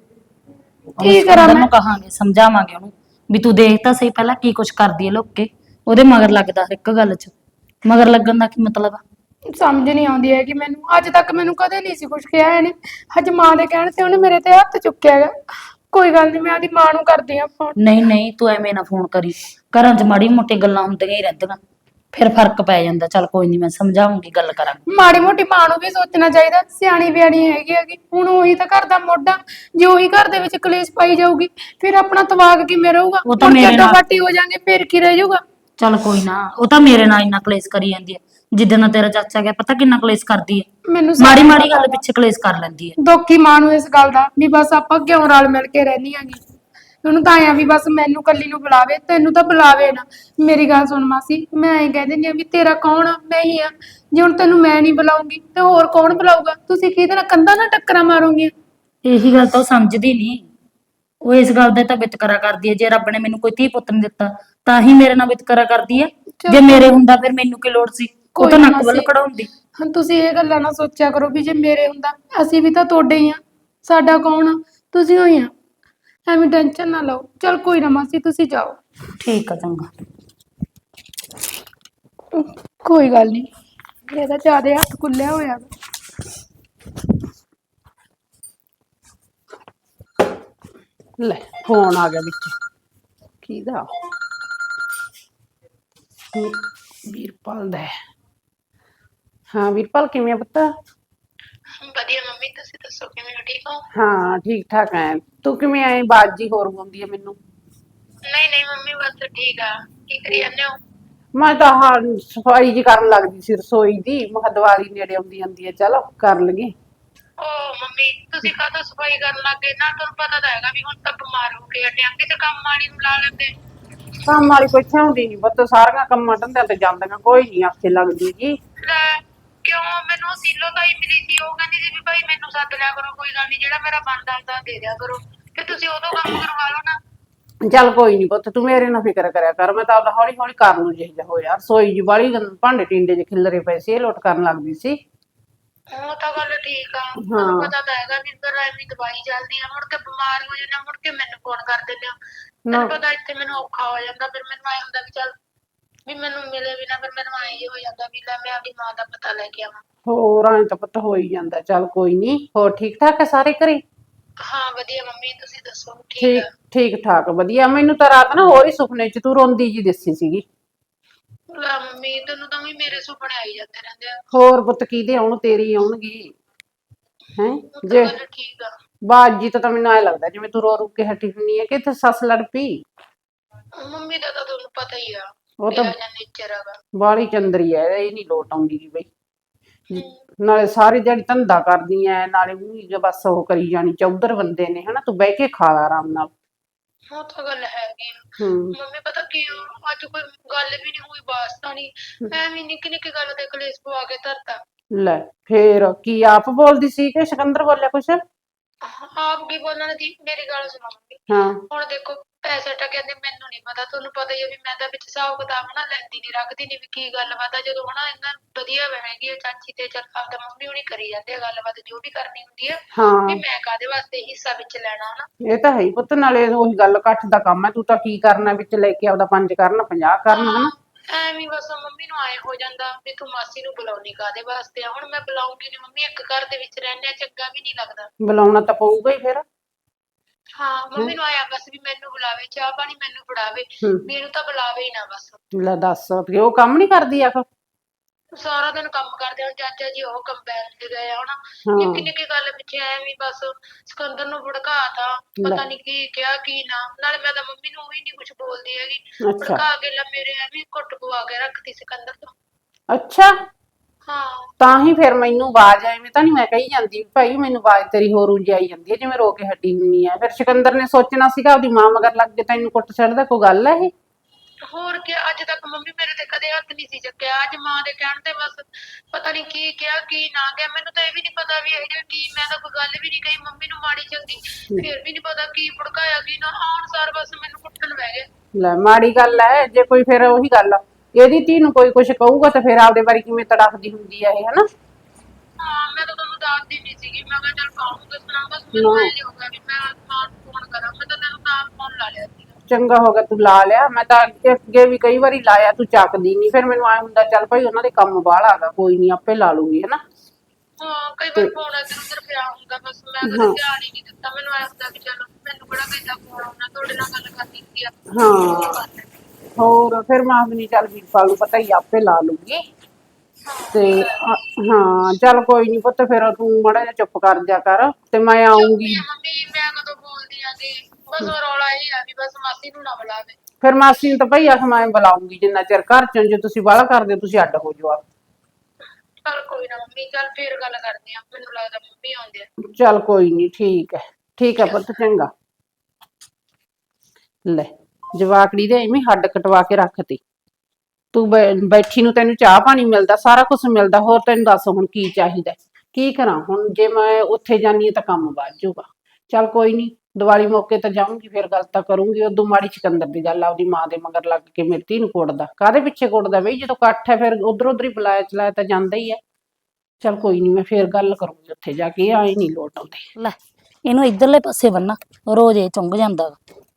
Speaker 5: ਕੀ ਕਰਾਂ ਮੈਂ?
Speaker 2: ਉਹਨੂੰ ਕਹਾਂਗੇ, ਸਮਝਾਵਾਂਗੇ ਉਹਨੂੰ ਵੀ ਤੂੰ ਦੇਖ ਤਾਂ ਸਹੀ ਪਹਿਲਾਂ ਕੀ ਕੁਛ ਕਰਦੀ ਹੈ ਲੁੱਕ ਕੇ। ਉਹਦੇ ਮਗਰ ਲੱਗਦਾ ਹਰ ਇੱਕ ਗੱਲ 'ਚ। ਮਗਰ ਲੱਗਣ ਦਾ ਕੀ ਮਤਲਬ ਆ?
Speaker 5: ਸਮਝ ਨਹੀਂ ਆਉਂਦੀ ਹੈ ਕਿ ਮੈਨੂੰ ਅੱਜ ਤੱਕ ਮੈਨੂੰ ਕਦੇ ਨਹੀਂ ਸੀ ਕੁਝ ਕਿਹਾ ਇਹਨੇ। ਅੱਜ ਮਾਂ ਦੇ ਕਹਿਣ ਤੇ ਉਹਨੇ ਮੇਰੇ ਤੇ ਹੱਥ ਚੁੱਕਿਆ ਹੈਗਾ। ਕੋਈ ਗੱਲ ਨਹੀਂ, ਮੈਂ ਆਪਦੀ ਮਾਂ ਨੂੰ ਕਰਦੀ ਆ ਫੋਨ।
Speaker 2: ਨਹੀਂ ਨਹੀਂ, ਤੂੰ ਐਵੇਂ ਨਾ ਫੋਨ ਕਰੀ। ਘਰਾਂ 'ਚ ਮਾੜੀ ਮੋਟੀ ਗੱਲਾਂ ਹੁੰਦੀਆਂ ਹੀ ਰਹਿੰਦੀਆਂ, ਫਿਰ ਫਰਕ ਪੈ ਜਾਂਦਾ। ਚੱਲ ਕੋਈ ਨਹੀਂ, ਮੈਂ ਸਮਝਾਉਂਗੀ, ਗੱਲ ਕਰਾਂਗੇ।
Speaker 5: ਮਾੜੀ ਮੋਟੀ ਮਾਂ ਨੂੰ ਵੀ ਸੋਚਣਾ ਚਾਹੀਦਾ, ਸਿਆਣੀ ਬਿਆਣੀ ਹੈਗੀ ਹੈਗੀ। ਹੁਣ ਉਹੀ ਤਾਂ ਘਰ ਦਾ ਮੋਢਾ, ਜੇ ਉਹੀ ਘਰ ਦੇ ਵਿੱਚ ਕਲੇਸ਼ ਪਾਈ ਜਾਊਗੀ ਫਿਰ ਆਪਣਾ ਤਵਾਗ ਕਿਵੇਂ ਰਹੂਗਾ?
Speaker 2: ਉਹ ਤਾਂ
Speaker 5: ਮੁੜ ਕੇ
Speaker 2: ਮੇਰੇ ਨਾਲ-
Speaker 5: ਅੱਡੋ-ਪਾਟੀ ਹੋ ਜਾਾਂਗੇ, ਫਿਰ ਕੀ ਰਹਿ ਜਾਊਗਾ?
Speaker 2: ਚੱਲ ਕੋਈ ਨਾ, ਉਹ ਤਾਂ ਮੇਰੇ ਨਾਲ ਇੰਨਾ ਕਲੇਸ਼ ਕਰੀ ਜਾਂਦੀ ਹੈ। ਜਿੱਦਾਂ ਦਾ ਤੇਰਾ ਚਾਚਾ ਗਿਆ, ਪਤਾ ਕਿੰਨਾ ਕਲੇਸ਼ ਕਰਦੀ ਹੈ।
Speaker 5: ਮੈਨੂੰ
Speaker 2: ਮਾੜੀ ਮਾੜੀ ਗੱਲ ਪਿੱਛੇ ਕਲੇਸ਼ ਕਰ ਲੈਂਦੀ ਹੈ।
Speaker 5: ਦੁੱਖ ਹੀ ਮਾਂ ਨੂੰ ਇਸ ਗੱਲ ਦਾ ਵੀ ਬਸ ਆਪਾਂ ਕਿਉਂ ਰਲ ਮਿਲ ਕੇ ਰਹਿੰਦੀ ਆਂਗੀ। ਉਹਨੂੰ ਤਾਂ ਆਇਆ ਵੀ ਬਸ ਮੈਨੂੰ ਕੱਲੀ ਨੂੰ ਬੁਲਾਵੇ, ਤੈਨੂੰ ਤਾਂ ਬੁਲਾਵੇ ਨਾ। ਮੇਰੀ ਗੱਲ ਸੁਣ ਮਾਸੀ, ਮੈਂ ਐਂ ਕਹਿ ਦਿੰਦੀ ਆ ਵੀ ਤੇਰਾ ਕੌਣ ਆ? ਮੈਂ ਹੀ ਆ। ਜੇ ਹੁਣ ਤੈਨੂੰ ਮੈਂ ਨਹੀਂ ਬੁਲਾਉਂਗੀ ਤੇ ਹੋਰ ਕੌਣ ਬੁਲਾਊਗਾ? ਤੁਸੀਂ ਕਿਹਦੇ ਨਾਲ ਕੰਧਾਂ ਨਾਲ ਟੱਕਰਾਂ ਮਾਰੋਗੇ?
Speaker 2: ਇਹੀ ਗੱਲ ਤਾਂ ਉਹ ਸਮਝਦੀ ਨਹੀਂ। ਉਹ ਇਸ ਗੱਲ ਦਾ ਤਾਂ ਵਿਤਕਰਾ ਕਰਦੀ ਹੈ। ਜੇ ਰੱਬ ਨੇ ਮੈਨੂੰ ਕੋਈ ਧੀ ਪੁੱਤ ਨਹੀਂ ਦਿੱਤਾ ਤਾਂ ਹੀ ਮੇਰੇ ਨਾਲ ਵਿਤਕਰਾ ਕਰਦੀ ਹੈ। ਜੇ ਮੇਰੇ ਹੁੰਦਾ ਫਿਰ ਮੈਨੂੰ ਕੀ ਲੋੜ ਸੀ? ਉਹ ਤਾਂ
Speaker 5: ਕੋਈ ਨਾ
Speaker 2: ਨੱਕ ਵੱਲ
Speaker 5: ਮਾਸੀ।
Speaker 2: ਕਢਾਉਂਦੀ।
Speaker 5: ਹਾਂ, ਤੁਸੀਂ ਇਹ ਗੱਲਾਂ ਨਾ ਸੋਚਿਆ ਕਰੋ ਵੀ ਜੇ ਮੇਰੇ ਹੁੰਦਾ, ਅਸੀਂ ਵੀ ਤਾਂ ਤੁਹਾਡੇ ਹੀ ਆ। ਸਾਡਾ ਕੌਣ ਆ? ਤੁਸੀਂ ਹੋਈ ਆ। ਐਵੇਂ ਟੈਨਸ਼ਨ ਨਾ ਲਓ। ਚਲ ਕੋਈ ਨਾ ਮਾਸੀ, ਤੁਸੀਂ ਜਾਓ।
Speaker 2: ਠੀਕ ਆ, ਚੰਗਾ।
Speaker 5: ਕੋਈ ਗੱਲ ਨਹੀਂ, ਇਹਦਾ ਜ਼ਿਆਦਾ ਹੱਥ ਖੁੱਲਿਆ ਹੋਇਆ ਵਾ।
Speaker 4: ਲੈ ਫੋਨ ਆ ਗਿਆ ਵਿੱਚ। ਕਿਹਦਾ? ਵੀਰ- ਵੀਰਪਾਲ ਦਾ ਹੈ। ਹਾਂ ਵੀਰਪਾਲ, ਕਿਵੇਂ ਆ ਪੁੱਤ?
Speaker 6: ਵਧੀਆ ਮੰਮੀ, ਤੁਸੀਂ ਦੱਸੋ ਕਿਵੇਂ ਹੋ? ਠੀਕ ਹੋ?
Speaker 4: ਹਾਂ ਠੀਕ ਠਾਕ ਐ। ਤੂੰ ਕਿਵੇਂ ਐ? ਬਾਜੀ ਹੋਰ ਗਾਉਂਦੀ ਐ ਮੈਨੂੰ।
Speaker 6: ਨਹੀਂ ਨਹੀਂ ਮੰਮੀ, ਬਸ ਠੀਕ ਆ। ਕੀ ਕਰੀ ਜਾਂਦੇ ਹੋ?
Speaker 4: ਮੈਂ ਤਾਂ ਹਾਂ ਸਫਾਈ ਜੀ ਕਰਨ ਲੱਗਦੀ ਸੀ ਰਸੋਈ ਦੀ। ਮੈਂ ਕਿਹਾ ਦੀਵਾਲੀ ਨੇੜੇ ਆਉਂਦੀ ਜਾਂਦੀ ਐ, ਚਲੋ ਕਰ ਲਈਏ।
Speaker 6: ਓ ਮੰਮੀ, ਤੁਸੀਂ ਕਾਹਤੋਂ ਸਫਾਈ ਕਰਨ ਲੱਗ ਗਏ? ਨਾ ਤੁਹਾਨੂੰ ਪਤਾ ਤਾਂ ਹੈਗਾ ਵੀ ਹੁਣ ਤਾਂ ਬਿਮਾਰ ਹੋ ਕੇ ਹਟੇ ਆਂ। ਕਿਤੇ ਕੰਮ ਵਾਲੀ ਨੂੰ ਲਾ ਲੈਂਦੇ।
Speaker 4: ਕੰਮ ਵਾਲੀ ਕੋਈ ਹੁੰਦੀ ਨਹੀਂ ਪੁੱਤ, ਸਾਰੀਆਂ ਕੰਮਾਂ ਧੰਦਿਆਂ ਤੇ ਜਾਂਦੀਆਂ, ਕੋਈ ਨਹੀਂ ਆਖੇ ਲੱਗਦੀ ਜੀ।
Speaker 6: ਲੈ ਕਿਉਂ? ਮੈਨੂੰ ਸੀਲੋ ਤਾਈ ਮਿਲੀ ਸੀ, ਉਹ ਕਹਿੰਦੀ ਸੀ ਵੀ ਭਾਈ ਮੈਨੂੰ ਸੱਦ ਲਿਆ ਕਰੋ, ਕੋਈ ਗੱਲ ਨਹੀਂ, ਜਿਹੜਾ ਮੇਰਾ ਬਣਦਾ ਹੁੰਦਾ ਦੇ ਦਿਆ ਕਰੋ। ਤੇ ਤੁਸੀਂ ਉਦੋਂ ਕੰਮ ਕਰਵਾ ਲਓ ਨਾ।
Speaker 4: ਚੱਲ ਕੋਈ ਨਹੀਂ ਪੁੱਤ, ਤੂੰ ਮੇਰੇ ਨਾਲ ਫਿਕਰ ਕਰਿਆ ਕਰ। ਮੈਂ ਤਾਂ ਆਪਦਾ ਹੌਲੀ ਹੌਲੀ ਕਰ ਲੂ ਜਿਹਾ ਹੋ ਯਾਰ। ਰਸੋਈ ਜੀ ਵਾਲੀ ਭਾਂਡੇ ਟਿੰਡੇ ਜਿਹੇ ਖਿਲਰੇ ਪਏ ਸੀ, ਇਹ ਲੋਟ ਕਰਨ ਲੱਗਦੀ ਸੀ।
Speaker 6: ਉਹ ਤਾਂ ਗੱਲ ਠੀਕ ਆ। ਤੁਹਾਨੂੰ ਪਤਾ ਤਾਂ ਹੈਗਾ ਵੀ ਫਿਰ ਐਵੇਂ ਦਵਾਈ ਚੱਲਦੀ ਆ, ਮੁੜ ਕੇ ਬਿਮਾਰ ਹੋ ਜਾਂਦਾ, ਮੁੜ ਕੇ ਮੈਨੂੰ ਫੋਨ ਕਰ ਦਿੰਦੇ ਹੋ। ਮੈਨੂੰ ਪਤਾ ਇੱਥੇ ਮੈਨੂੰ ਔਖਾ ਹੋ ਜਾਂਦਾ, ਫਿਰ ਮੈਨੂੰ ਐ ਹੁੰਦਾ ਵੀ ਚੱਲ ਵੀ ਮੈਨੂੰ ਮਿਲੇ ਵੀ ਨਾ। ਫਿਰ ਮੈਨੂੰ ਐ ਹੀ ਹੋ ਜਾਂਦਾ ਵੀ ਲੈ ਮੈਂ ਆਪਣੀ ਮਾਂ ਦਾ ਪਤਾ ਲੈ ਕੇ ਆਵਾਂ।
Speaker 4: ਹੋਰ ਐਂ ਤਾਂ ਪੁੱਤ ਹੋ ਹੀ ਜਾਂਦਾ। ਚੱਲ ਕੋਈ ਨਹੀਂ। ਹੋਰ ਠੀਕ ਠਾਕ ਹੈ ਸਾਰੇ ਘਰੇ?
Speaker 6: ਹਾਂ ਵਧੀਆ ਮੰਮੀ, ਤੁਸੀਂ ਦੱਸੋ? ਠੀਕ
Speaker 4: ਠੀਕ
Speaker 6: ਆ।
Speaker 4: ਠੀਕ ਠਾਕ ਵਧੀਆ। ਮੈਨੂੰ ਤਾਂ ਰਾਤ ਨਾ ਹੋਰ ਹੀ ਸੁਪਨੇ ਚ ਤੂੰ ਰੋਂਦੀ ਜੀ ਦਿਸੀ ਸੀਗੀ।
Speaker 6: ਲੈ ਮੰਮੀ, ਤੈਨੂੰ ਤਾਂ ਵੀ ਮੇਰੇ ਸੁਪਨੇ ਆਈ ਜਾਂਦੇ ਰਹਿੰਦੇ ਆ।
Speaker 4: ਹੋਰ ਪੁੱਤ ਕਿਹਦੇ ਆਉਣ? ਤੇਰੀ ਆਉਣਗੀ ਹੈ
Speaker 6: ਉਹ
Speaker 4: ਜੇ
Speaker 6: ਤਾਂ ਗੱਲ ਠੀਕ ਆ।
Speaker 4: ਬਾਜੀ ਤਾਂ ਮੈਨੂੰ ਐ ਲੱਗਦਾ ਜਿਵੇਂ ਤੂੰ ਰੋ ਰੁ ਕੇ ਹਟੀ ਹੁੰਨੀ ਹੈ ਕਿ ਇੱਥੇ ਸੱਸ ਲੜ ਪਈ।
Speaker 6: ਮੰਮੀ ਦਾ ਤਾਂ ਤੁਹਾਨੂੰ ਪਤਾ ਹੀ ਆ,
Speaker 4: ਉਹ ਤਾਂ
Speaker 6: ਮੇਰਾ ਜਾਂ ਨੇਚਰ ਹੈਗਾ।
Speaker 4: ਬਾਲੀ ਚੰਦਰੀ ਐ, ਇਹ ਨਹੀਂ ਲੋਟ ਆਉਂਦੀ ਗੀ ਬਈ। ਨਾਲੇ ਸਾਰੀ ਦਿਹਾੜੀ ਧੰਦਾ ਕਰਦੀ ਐ, ਨਾਲੇ ਉਹ ਬਸ ਉਹ ਕਰੀ ਜਾਣੀ, ਚੌਧਰ ਬੰਦੇ ਨੇ ਹਨਾ, ਤੂੰ ਬਹਿ ਕੇ ਖਾ ਲਾ ਆਰਾਮ ਨਾਲ।
Speaker 6: ਉਹ ਤਾਂ ਗੱਲ ਹੈਗੀ ਆ।
Speaker 4: ਹੂੰ
Speaker 6: ਮੰਮੀ ਪਤਾ ਕੀ ਆ, ਅੱਜ ਕੋਈ ਗੱਲ ਵੀ ਨਹੀਂ ਹੋਈ, ਵਾਸਤਾ ਨਹੀਂ, ਐਵੇਂ ਨਿੱਕੀ ਨਿੱਕੀ ਗੱਲ ਤੇ ਕਲੇਸ਼ ਪਵਾ ਕੇ ਧਰਤਾ।
Speaker 4: ਲੈ ਫੇਰ ਕੀ ਆਪ ਬੋਲਦੀ ਸੀ ਕਿ ਸਿਕੰਦਰ ਬੋਲਿਆ ਕੁਛ?
Speaker 6: ਆਪ ਕੀ ਬੋਲਣਾ ਜੀ, ਮੇਰੀ ਗੱਲ ਸੁਣੋ ਮੰਮੀ।
Speaker 4: ਹਾਂ
Speaker 6: ਹੁਣ ਦੇਖੋ ਪੈਸੇ ਤਾਂ ਕਹਿੰਦੇ ਮੈਨੂੰ ਨਹੀਂ ਪਤਾ, ਤੁਹਾਨੂੰ ਪਤਾ ਹੀ ਆ ਵੀ ਮੈਂ ਤਾਂ ਵਿੱਚ ਹਿਸਾਬ ਕਿਤਾਬ ਨਾ ਲੈਂਦੀ ਨਹੀਂ, ਰੱਖਦੀ ਨਹੀਂ ਵੀ ਕੀ ਗੱਲਬਾਤ ਆ। ਜਦੋਂ ਹਨਾ ਇਹਨਾਂ ਵਧੀਆ ਹੈਗੀ ਆ ਚਾਚੀ ਤੇ ਚੱਲ ਆਪਦਾ ਮੰਮੀ ਹੁਣੀ ਕਰੀ ਜਾਂਦੇ ਆ ਗੱਲਬਾਤ ਜੋ ਵੀ ਕਰਨੀ ਹੁੰਦੀ ਆ,
Speaker 4: ਹਾਂ
Speaker 6: ਵੀ ਮੈਂ ਕਾਹਦੇ ਵਾਸਤੇ ਹਿੱਸਾ ਵਿੱਚ ਲੈਣਾ ਹਨਾ।
Speaker 4: ਇਹ ਤਾਂ ਹੈ ਹੀ ਪੁੱਤ, ਨਾਲੇ ਉਹੀ ਗੱਲ ਇਕੱਠ ਦਾ ਕੰਮ ਹੈ, ਤੂੰ ਤਾਂ ਕੀ ਕਰਨਾ ਵਿੱਚ ਲੈ ਕੇ ਆਪਦਾ ਪੰਜ ਕਰਨ ਪੰਜਾਹ ਕਰਨ ਹਨਾ।
Speaker 6: ਐਵੇਂ ਬਸ ਮੰਮੀ ਨੂੰ ਆਏ ਹੋ ਜਾਂਦਾ ਵੀ ਤੂੰ ਮਾਸੀ ਨੂੰ ਬੁਲਾਉਣੀ ਕਾਹਦੇ ਵਾਸਤੇ ਆ। ਹੁਣ ਮੈਂ ਬੁਲਾਉਂਗੀ ਨੀ ਮੰਮੀ, ਇੱਕ ਘਰ ਦੇ ਵਿੱਚ ਰਹਿੰਦੇ ਆ, ਚੰਗਾ ਵੀ ਨਹੀਂ ਲੱਗਦਾ।
Speaker 4: ਬੁਲਾਉਣਾ ਤਾਂ ਪਊਗਾ ਹੀ ਫਿਰ।
Speaker 6: ਹਾਂ ਮੰਮੀ ਨੂੰ ਆਇਆ ਬਸ ਵੀ ਮੈਨੂੰ ਬੁਲਾਵੇ, ਚਾਹ ਪਾਣੀ ਮੈਨੂੰ ਫੜਾਵੇ,
Speaker 4: ਹੂੰ
Speaker 6: ਵੀ ਇਹਨੂੰ ਤਾਂ ਬੁਲਾਵੇ ਹੀ ਨਾ ਬਸ।
Speaker 4: ਲੈ ਦੱਸ ਕਿ ਉਹ ਕੰਮ ਨਹੀਂ ਕਰਦੀ ਆਖ।
Speaker 6: ਸਾਰਾ ਦਿਨ ਕੰਮ ਕਰਦੇ ਹੁਣ ਚਾਚਾ ਜੀ ਉਹ ਕੰਬਾਈਨ ਤੇ ਗਏ ਆ ਹਨਾ,
Speaker 4: ਹਾਂ
Speaker 6: ਨਿੱਕੀ ਨਿੱਕੀ ਗੱਲ ਪਿੱਛੇ ਐਵੇਂ ਬਸ ਸਿਕੰਦਰ ਨੂੰ ਭੜਕਾਤਾ, ਪਤਾ ਨਹੀਂ ਕੀ ਕਿਹਾ ਕੀ ਨਾ। ਨਾਲੇ ਮੈਂ ਤਾਂ ਮੰਮੀ ਨੂੰ ਉਹੀ ਨਹੀਂ ਕੁਝ ਬੋਲਦੀ ਹੈਗੀ,
Speaker 4: ਅੱਛਾ
Speaker 6: ਭੜਕਾ ਕੇ ਲੈ ਮੇਰੇ ਐਵੇਂ ਘੁੱਟ ਪਵਾ ਕੇ ਰੱਖਤੀ ਸਿਕੰਦਰ ਤੋਂ।
Speaker 4: ਅੱਛਾ
Speaker 6: ਹਾਂ
Speaker 4: ਤਾਂ ਹੀ ਫਿਰ ਮੈਨੂੰ ਆਵਾਜ਼ ਐਵੇਂ ਤਾਂ ਨਹੀਂ ਮੈਂ ਕਹੀ ਜਾਂਦੀ ਭਾਈ, ਮੈਨੂੰ ਆਵਾਜ਼ ਤੇਰੀ ਹੋਰ ਉਂਝ ਆਈ ਜਾਂਦੀ ਹੈ ਜਿਵੇਂ ਰੋ ਕੇ ਹੱਡੀ ਹੁੰਨੀ ਆ। ਫਿਰ ਸਿਕੰਦਰ ਨੇ ਸੋਚਣਾ ਸੀਗਾ ਆਪਦੀ ਮਾਂ ਮਗਰ ਲੱਗ ਕੇ ਤੈਨੂੰ ਕੁੱਟ ਛੱਡਦਾ, ਕੋਈ ਗੱਲ ਹੈ ਇਹ?
Speaker 6: ਹੋਰ ਕੀ, ਅੱਜ ਤੱਕ ਮੰਮੀ ਮੇਰੇ ਤੇ ਕਦੇ ਹੱਥ ਨਹੀਂ ਸੀ ਚੱਕਿਆ, ਅੱਜ ਮਾਂ ਦੇ ਕਹਿਣ ਤੇ ਬਸ ਪਤਾ ਨਹੀਂ ਕੀ ਕਿਹਾ ਕੀ ਨਾ ਕਿਹਾ। ਮੈਨੂੰ ਤਾਂ ਇਹ ਵੀ ਨਹੀਂ ਪਤਾ ਵੀ ਇਹ ਜਿਹਾ ਕੀ, ਮੈਂ ਤਾਂ ਕੋਈ ਗੱਲ ਵੀ ਨਹੀਂ ਕਹੀ ਮੰਮੀ ਨੂੰ ਮਾੜੀ ਚੰਗੀ, ਫਿਰ ਵੀ ਨਹੀਂ ਪਤਾ ਕੀ ਭੜਕਾਇਆ ਕੀ ਨਾ, ਆਉਣ ਸਾਰ ਬਸ ਮੈਨੂੰ ਕੁੱਟਣ ਬਹਿ ਗਏ।
Speaker 4: ਲੈ ਮਾੜੀ ਗੱਲ ਹੈ ਜੇ ਕੋਈ, ਫਿਰ ਉਹੀ ਗੱਲ ਆ, ਇਹਦੀ ਧੀ ਨੂੰ ਕੋਈ ਕੁਛ ਕਹੂਗਾ ਤਾਂ ਫਿਰ ਆਪਦੇ ਬਾਰੇ ਕਿਵੇਂ ਤੜਫਦੀ ਹੁੰਦੀ ਆ ਇਹ ਹਨਾ।
Speaker 6: ਹਾਂ ਮੈਂ ਤਾਂ ਤੁਹਾਨੂੰ ਦੱਸਦੀ ਨਹੀਂ ਸੀਗੀ, ਮੈਂ ਕਿਹਾ ਚੱਲ ਕਾਹਨੂੰ ਦੱਸਣਾ, ਬਸ ਮੈਨੂੰ ਐ ਨਹੀਂ ਹੋਗਾ ਵੀ ਮੈਂ ਮਾਂ ਨੂੰ ਫੋਨ ਕਰਾਂ, ਮੈਂ ਤਾਂ ਤੈਨੂੰ ਤਾਂ ਫੋਨ ਲਾ ਲਿਆ ਸੀ।
Speaker 4: ਚੰਗਾ ਹੋ ਗਿਆ ਤੂੰ ਲਾ ਲਿਆ, ਮੈਂ ਤਾਂ ਅੱਗੇ ਅੱਗੇ ਵੀ ਕਈ ਵਾਰੀ ਲਾਇਆ ਤੂੰ ਚੱਕਦੀ ਨਹੀਂ, ਫਿਰ ਮੈਨੂੰ ਐ ਹੁੰਦਾ ਚੱਲ ਭਾਈ ਉਹਨਾਂ ਦੇ ਕੰਮ ਬਾਹਲਾ ਹੈਗਾ, ਕੋਈ ਨਹੀਂ ਆਪੇ ਲਾ ਲੂੰਗੀ ਹਨਾ।
Speaker 6: ਹਾਂ ਕਈ ਵਾਰ ਫੋਨ ਇੱਧਰ ਉੱਧਰ ਪਿਆ ਹੁੰਦਾ, ਬਸ ਮੈਂ ਕਦੇ ਧਿਆਨ ਹੀ ਨਹੀਂ ਦਿੱਤਾ। ਮੈਨੂੰ ਐ ਹੁੰਦਾ ਵੀ ਚਲੋ ਮੈਨੂੰ ਕਿਹੜਾ ਕਿਸੇ ਦਾ ਫੋਨ ਆਉਣਾ, ਤੁਹਾਡੇ ਨਾਲ ਗੱਲ ਕਰਨੀ ਹੁੰਦੀ ਆ।
Speaker 4: ਹਾਂ ਹੋਰ ਫਿਰ ਮਾਂ ਵੀ ਨਹੀਂ, ਚੱਲ ਵੀਰਪਾਲ ਨੂੰ ਪਤਾ ਹੀ ਆਪੇ ਲਾ ਲੂੰਗੀ। ਤੇ ਹਾਂ ਚੱਲ ਕੋਈ ਨਹੀਂ ਪੁੱਤ, ਫਿਰ ਤੂੰ ਮਾੜਾ ਜਿਹਾ ਚੁੱਪ ਕਰ ਜਾ ਕਰ ਤੇ ਮੈਂ ਆਉਂਗੀ।
Speaker 6: ਮੰਮੀ ਮੈਂ ਕਦੋਂ ਬੋਲਦੀ ਆਂਗੀ, ਬਸ ਉਹ ਰੌਲਾ ਇਹ ਆ ਵੀ ਬਸ ਮਾਸੀ ਨੂੰ ਨਾ ਬੁਲਾਵੇ।
Speaker 4: ਫਿਰ ਮਾਸੀ ਨੂੰ ਤਾਂ ਭਈ ਆਖ ਮੈਂ ਬੁਲਾਉਂਗੀ ਜਿੰਨਾ ਚਿਰ ਘਰ ਚੋਂ, ਜੇ ਤੁਸੀਂ ਬਾਹਲਾ ਕਰਦੇ ਹੋ ਤੁਸੀਂ ਅੱਡ ਹੋ ਜਾਓ ਆਪ।
Speaker 6: ਚੱਲ ਕੋਈ ਨਾ ਮੰਮੀ, ਚੱਲ ਫੇਰ ਗੱਲ ਕਰਦੇ ਆ, ਮੈਨੂੰ ਲੱਗਦਾ ਮੰਮੀ ਆਉਂਦੇ ਆ।
Speaker 4: ਚੱਲ ਕੋਈ ਨਹੀਂ ਠੀਕ ਹੈ, ਠੀਕ ਹੈ ਪੁੱਤ ਚੰਗਾ। ਲੈ ਜਵਾਕੜੀ ਦੇ ਐਵੇਂ ਹੱਡ ਕਟਵਾ ਕੇ ਰੱਖਤੀ, ਤੂੰ ਬੈਠੀ ਨੂੰ ਤੈਨੂੰ ਚਾਹ ਪਾਣੀ ਮਿਲਦਾ, ਸਾਰਾ ਕੁਝ ਮਿਲਦਾ, ਹੋਰ ਤੈਨੂੰ ਦੱਸ ਹੁਣ ਕੀ ਚਾਹੀਦਾ? ਕੀ ਕਰਾਂ ਹੁਣ, ਜੇ ਮੈਂ ਉੱਥੇ ਜਾਨੀ ਹਾਂ ਤਾਂ ਕੰਮ ਵੱਧ ਜਾਊਗਾ। ਚੱਲ ਕੋਈ ਨਹੀਂ, ਦੀਵਾਲੀ ਮੌਕੇ ਤਾਂ ਜਾਊਂਗੀ, ਫਿਰ ਗੱਲ ਤਾਂ ਕਰੂੰਗੀ। ਉਦੋਂ ਮਾੜੀ ਸਿਕੰਦਰ ਦੀ ਗੱਲ ਆਪਦੀ ਮਾਂ ਦੇ ਮਗਰ ਲੱਗ ਕੇ ਮੇਰੀ ਧੀ ਨੂੰ ਕੁੱਟਦਾ, ਕਾਹਦੇ ਪਿੱਛੇ ਕੁੱਟਦਾ ਬਈ? ਜਦੋਂ ਇਕੱਠ ਹੈ ਫਿਰ ਉਧਰ ਉਧਰ ਹੀ ਬੁਲਾਇਆ ਚਲਾਇਆ ਤਾਂ ਜਾਂਦਾ ਹੀ ਹੈ। ਚੱਲ ਕੋਈ ਨਹੀਂ, ਮੈਂ ਫੇਰ ਗੱਲ ਕਰੂੰਗੀ ਉੱਥੇ ਜਾ ਕੇ, ਆਏ ਨਹੀਂ ਲੋਟ ਆਉਂਦੇ।
Speaker 2: ਲੈ ਇਹਨੂੰ ਇਧਰਲੇ ਪਾਸੇ ਬੰਨਾ, ਰੋਜ਼ ਇਹ ਚੁੰਗ ਜਾਂਦਾ ਵਾ।